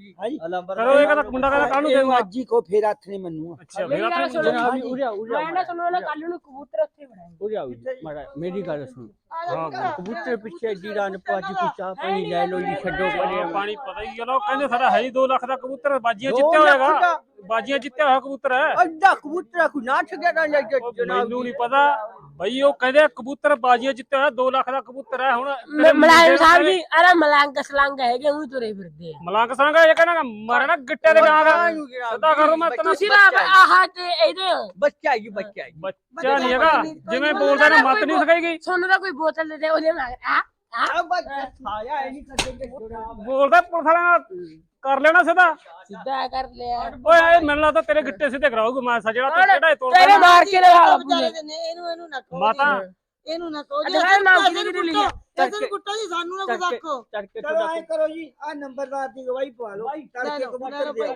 Speaker 6: ਕਰੋ ਇਹ ਕਹਿੰਦਾ ਮੁੰਡਾ ਕਹਿੰਦਾ ਕੱਲ ਨੂੰ ਦੇਊਗਾ
Speaker 3: ਅੱਜ ਹੀ ਕੋ ਫੇਰ ਹੱਥ ਨਹੀਂ ਮੰਨੂਗਾ
Speaker 6: ਅੱਛਾ
Speaker 8: ਮੇਰੀ
Speaker 6: ਫਿਰ
Speaker 8: ਗੱਲ ਸੁਣੋ
Speaker 6: ਆਪਾਂ
Speaker 3: ਉਰਿਆ
Speaker 8: ਮੈਂ ਨਾ ਸੁਣੋ ਨਾ ਕੱਲ ਨੂੰ ਕਬੂਤਰ ਉੱਥੇ ਬਣਾਏ
Speaker 3: ਮੇਰੀ ਗੱਲ ਸੁਣ
Speaker 6: ਹਾਂ
Speaker 3: ਕਬੂਤਰ ਪਿੱਛੇ ਜੀਰਾ ਨੇ ਪਾਜੀ ਤੂੰ ਚਾਹ ਪਾਣੀ ਲੈ ਲੋ ਜੀ ਛੱਡੋ ਪਰੇ
Speaker 6: ਪਾਣੀ ਪਤਾ ਹੀ ਗੱਲ ਉਹ ਕਹਿੰਦੇ ਸਾਡਾ ਹੈ ਹੀ ਦੋ ਲੱਖ ਦਾ ਕਬੂਤਰ ਬਾਜੀਆਂ ਜਿੱਤਿਆ ਹੋਇਆਗਾ ਬਾਜੀਆਂ ਜਿੱਤਿਆ ਹੋਇਆ ਕਬੂਤਰ ਹੈ
Speaker 3: ਅੱਧਾ ਕਬੂਤਰ ਕੋ ਨਾ ਛੱਡਿਆ ਨਾ ਲੈ ਕੇ
Speaker 6: ਉਹ ਮੈਨੂੰ ਨਹੀਂ ਪਤਾ ਬਈ ਉਹ ਕਹਿੰਦੇ ਕਬੂਤਰ ਬਾਜੀਆਂ ਜਿੱਤਿਆ ਹੋਇਆ ਦੋ ਲੱਖ ਦਾ ਕਬੂਤਰ ਹੈ ਹੁਣ ਤੇਰੇ
Speaker 8: ਮਲਾਇਮ ਸਾਹਿਬ ਜੀ ਅਰੇ ਮਲੰਗ ਸਲੰਗ ਹੈਗੇ ਉਹ ਤੁਰੇ ਫਿਰਦੇ ਆ
Speaker 6: ਮਲੰਗ ਸੰਗਾ ਇਹ ਕਹਿੰਦਾ ਮਾਰੇ ਨਾ ਗਿੱਟੇ ਦੇ ਗਾਂ ਦਾ ਸਿੱਧਾ ਕਰੋ ਮੈਂ ਤੈਨੂੰ
Speaker 8: ਤੁਸੀਂ ਨਾ ਆਹ ਤੇ ਇਹਦੇ
Speaker 3: ਬੱਚਾ ਜੀ ਬੱਚਾ ਜੀ
Speaker 6: ਬੱਚਾ ਨਹੀਂ ਹੈਗਾ ਜਿਵੇਂ ਬੋਲਦਾ ਨਾ ਮਤ ਨਹੀਂ ਸਿਖਾਈਗੀ
Speaker 8: ਸੋਨੂੰ ਦਾ ਕੋਈ ਬੋਤਲ ਦੇ ਦੇ ਉਹਦੇ ਨਾਲ ਆ
Speaker 3: ਆ ਬੱਚਾ ਸਾਇਆ ਇਹ ਨਹੀਂ ਕਰਦੇ
Speaker 6: ਬੋਲਦਾ ਪੁਲਿਸ ਵਾਲਿਆਂ ਨਾਲ ਕਰ ਲੈਣਾ ਸਿੱਧਾ
Speaker 8: ਸਿੱਧਾ ਕਰ ਲਿਆ
Speaker 6: ਓਏ ਇਹ ਮੈਨੂੰ ਲੱਗਦਾ ਤੇਰੇ ਗਿੱਟੇ ਸਿੱਧੇ ਕਰਾਊਗਾ ਮੈਂ ਸਾ ਜਿਹੜਾ ਤੂੰ ਕਿਹੜਾ ਇਹ ਤੋੜਦਾ
Speaker 8: ਤੇਰੇ ਮਾਰ ਕੇ ਲਗਾ
Speaker 3: ਵਿਚਾਰੇ ਨੇ ਇਹਨੂੰ ਇਹਨੂੰ ਨਾ ਕਹੋ
Speaker 6: ਮਾਤਾ
Speaker 3: ਇਹਨੂੰ ਨਾ ਕਹੋ
Speaker 8: ਅੱਛਾ ਇਹ ਨਾਮ ਕਿਹਦੇ ਕਿਹਦੇ ਲਿਆ
Speaker 3: ਤੈਨੂੰ ਕੁੱਟੋ ਜੀ ਸਾਨੂੰ ਨਾ ਕੁਝ ਆਖੋ ਚਲੋ ਐ ਕਰੋ ਜੀ ਆ ਨੰਬਰਦਾਰ ਦੀ ਗਵਾਹੀ ਪਵਾ ਲਓ ਤੜਕੇ ਕਬੂਤਰ ਦੇ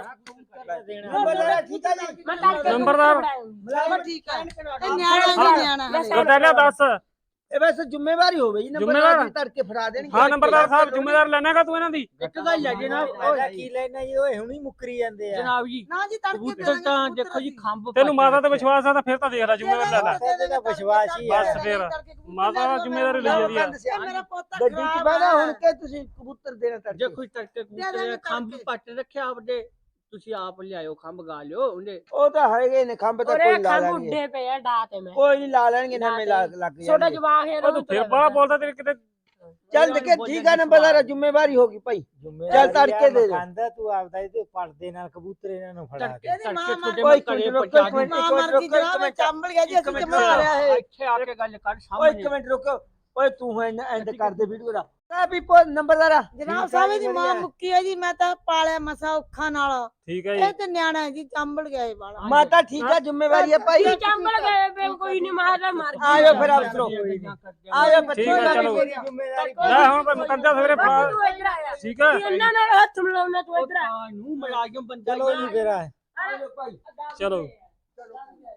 Speaker 3: ਨੰਬਰਦਾਰ ਠੀਕ ਆ ਜੀ
Speaker 8: ਮੈਂ ਤੜਕੇ
Speaker 6: ਨੰਬਰਦਾਰ
Speaker 3: ਮਲਾਵਾ ਠੀਕ ਆ ਇਹ ਨਿਆਣਾ ਵੀ ਨਿਆਣਾ
Speaker 6: ਗਦਾਲਾ ਦੱਸ
Speaker 3: ਇਹ ਵੈਸੇ ਜ਼ਿੰਮੇਵਾਰੀ ਹੋਵੇ ਜੀ ਨੰਬਰਦਾਰ ਦੀ ਤੜਕੇ ਫੜਾ ਦੇਣਗੇ
Speaker 6: ਹਾਂ ਨੰਬਰਦਾਰ ਸਾਹਿਬ ਜ਼ਿੰਮੇਵਾਰ ਲੈਣਾਗਾ ਤੂੰ ਇਹਨਾਂ ਦੀ
Speaker 3: ਇੱਕ ਗੱਲ ਹੈ ਜਨਾਬ
Speaker 7: ਓਏ ਕੀ ਲੈਣਾ ਜੀ ਓਏ ਹੁਣੀ ਮੁੱਕਰੀ ਜਾਂਦੇ ਆ
Speaker 3: ਜਨਾਬ ਜੀ ਨਾ ਜੀ ਤੜਕੇ
Speaker 7: ਕਬੂਤਰ ਤਾਂ ਦੇਖੋ ਜੀ ਖੰਭ
Speaker 6: ਤੈਨੂੰ ਮਾਤਾ ਤੇ ਵਿਸ਼ਵਾਸ ਆ ਤਾਂ ਫਿਰ ਤਾਂ ਦੇਖ ਲੈ ਜ਼ਿੰਮੇਵਾਰ ਲੈ ਲੈ
Speaker 7: ਇਹਦੇ ਦਾ ਵਿਸ਼ਵਾਸ ਹੀ ਆ
Speaker 6: ਬਸ ਫਿਰ ਮਾਤਾ ਦਾ ਜ਼ਿੰਮੇਵਾਰੀ ਲਈ ਜਾਂਦੀ ਆ
Speaker 3: ਮੇਰਾ ਪੋਤਾ ਗੱਡੀ ਚ ਬਹਿਣਾ ਹੁਣ ਕਿ ਤੁਸੀਂ ਕਬੂਤਰ ਦੇਣਾ ਤੜਕੇ
Speaker 5: ਜੇ ਕੋਈ ਤੜਕੇ ਕਬੂਤਰ ਖੰਭ ਪੱਟ ਰੱਖਿਆ ਆਪਦੇ ਤੁਸੀਂ ਆਪ ਲਿਆਇਓ ਖੰਭ ਗਾ ਲਿਓ ਉਹਨੇ
Speaker 3: ਉਹ ਤਾਂ ਹੈਗੇ ਨੇ ਖੰਭ ਤਾਂ
Speaker 8: ਉਹਰੇ
Speaker 3: ਕੋਈ ਲਾ
Speaker 8: ਖੰਭ
Speaker 3: ਲੈਣਗੇ
Speaker 8: ਉੱਡੇ ਪਏ ਆ ਡਾ ਤੇ ਮੈਂ
Speaker 3: ਕੋਈ ਨਹੀਂ ਲਾ ਲੈਣਗੇ ਨਵੇਂ ਲੱਗ ਲੱਗ
Speaker 8: ਛੋਟਾ
Speaker 3: ਜਾਣਗੇ
Speaker 8: ਜਵਾਕ ਹੈ
Speaker 6: ਉਹ ਤੂੰ ਫਿਰ ਬੜਾ ਬੋਲਦਾ ਤੇਰੇ ਕਿਤੇ
Speaker 3: ਚੱਲ ਦੇਖੇ ਠੀਕ ਆ ਨੰਬਰਦਾਰ ਜ਼ਿੰਮੇਵਾਰੀ ਹੋਗੀ ਭਾਈ ਚੱਲ ਤੜਕੇ ਦੇ ਦੇ
Speaker 7: ਖਾਂਦਾ ਤੂੰ ਆਪਦਾ ਇਹਦੇ ਪਰਦੇ ਨਾਲ ਕਬੂਤਰ ਇਹਨਾਂ ਨੂੰ ਫੜਾ ਕੇ
Speaker 5: ਤੜਕੇ ਤੁਹਾਡੇ
Speaker 3: ਓਏ
Speaker 5: ਮੈਂ ਘਰੇ
Speaker 3: ਰੁਕੋ,
Speaker 5: ਪਹੁੰਚਾ
Speaker 3: ਇੱਕ ਮਿੰਟ,
Speaker 5: ਦੂੰ
Speaker 3: ਇੱਕ ਮਿੰਟ, ਰੁਕੋ, ਇੱਕ ਮਿੰਟ।
Speaker 5: ਚੰਬਲ ਗਿਆ ਜੀ
Speaker 3: ਅਸੀਂ ਜਮਾ ਮਾਰਿਆ ਹੈ।
Speaker 5: ਇੱਥੇ ਆ ਕੇ ਗੱਲ ਕਰ
Speaker 3: ਓਏ
Speaker 5: ਸਾਹਮਣੇ
Speaker 3: ਇੱਕ ਮਿੰਟ ਰੁਕੋ ਓਏ ਤੂੰ ਐਂਡ ਐਂਡ ਕਰ ਦੇ ਵੀਡੀਓ ਦਾ ਆ ਵੀ ਨੰਬਰਦਾਰ
Speaker 9: ਜਨਾਬ ਸਾਹਿਬ ਦੀ ਮਾਂ ਮੁੱਕੀ ਹੈ ਜੀ ਮੈਂ ਤਾਂ ਪਾਲਿਆ ਮਸਾ ਔਖਾ ਨਾਲ
Speaker 6: ਠੀਕ ਹੈ
Speaker 9: ਇਹ
Speaker 6: ਜੀ
Speaker 9: ਤੇ ਨਿਆਣਾ ਹੈ ਜੀ ਚੰਬਲ ਗਿਆ ਇਹ ਵਾਲਾ
Speaker 3: ਮਾਤਾ ਠੀਕ ਆ ਜ਼ਿੰਮੇਵਾਰੀ ਹੈ ਭਾਈ
Speaker 8: ਇਹ ਚੰਬਲ ਗਏ ਪਏ ਕੋਈ ਨਹੀਂ ਮਾਰਦਾ ਮਾਰ ਕੇ
Speaker 3: ਆਇਓ ਫਿਰ ਅਫਸਰੋ ਆਇਓ ਬੱਚੇ
Speaker 6: ਠੀਕ ਹੈ, ਚਲੋ।
Speaker 3: ਜ਼ਿੰਮੇਵਾਰੀ
Speaker 6: ਲੈ ਹੁਣ ਭਾਈ ਮੁਕੰਦਾ ਸਵੇਰੇ ਫੜਾ
Speaker 8: ਤੂੰ ਇੱਧਰ ਆਇਆ
Speaker 6: ਠੀਕ ਹੈ
Speaker 8: ਇਹਨਾਂ ਨਾਲ ਹੱਥ ਮਿਲਾਉਣਾ ਤੂੰ ਇੱਧਰ ਆ
Speaker 5: ਨੂੰ ਮਲਾਜਮ ਬੰਦਾ
Speaker 7: ਚਲੋ ਜੀ ਫਿਰ ਆ
Speaker 3: ਆਇਓ ਭਾਈ
Speaker 6: ਚਲੋ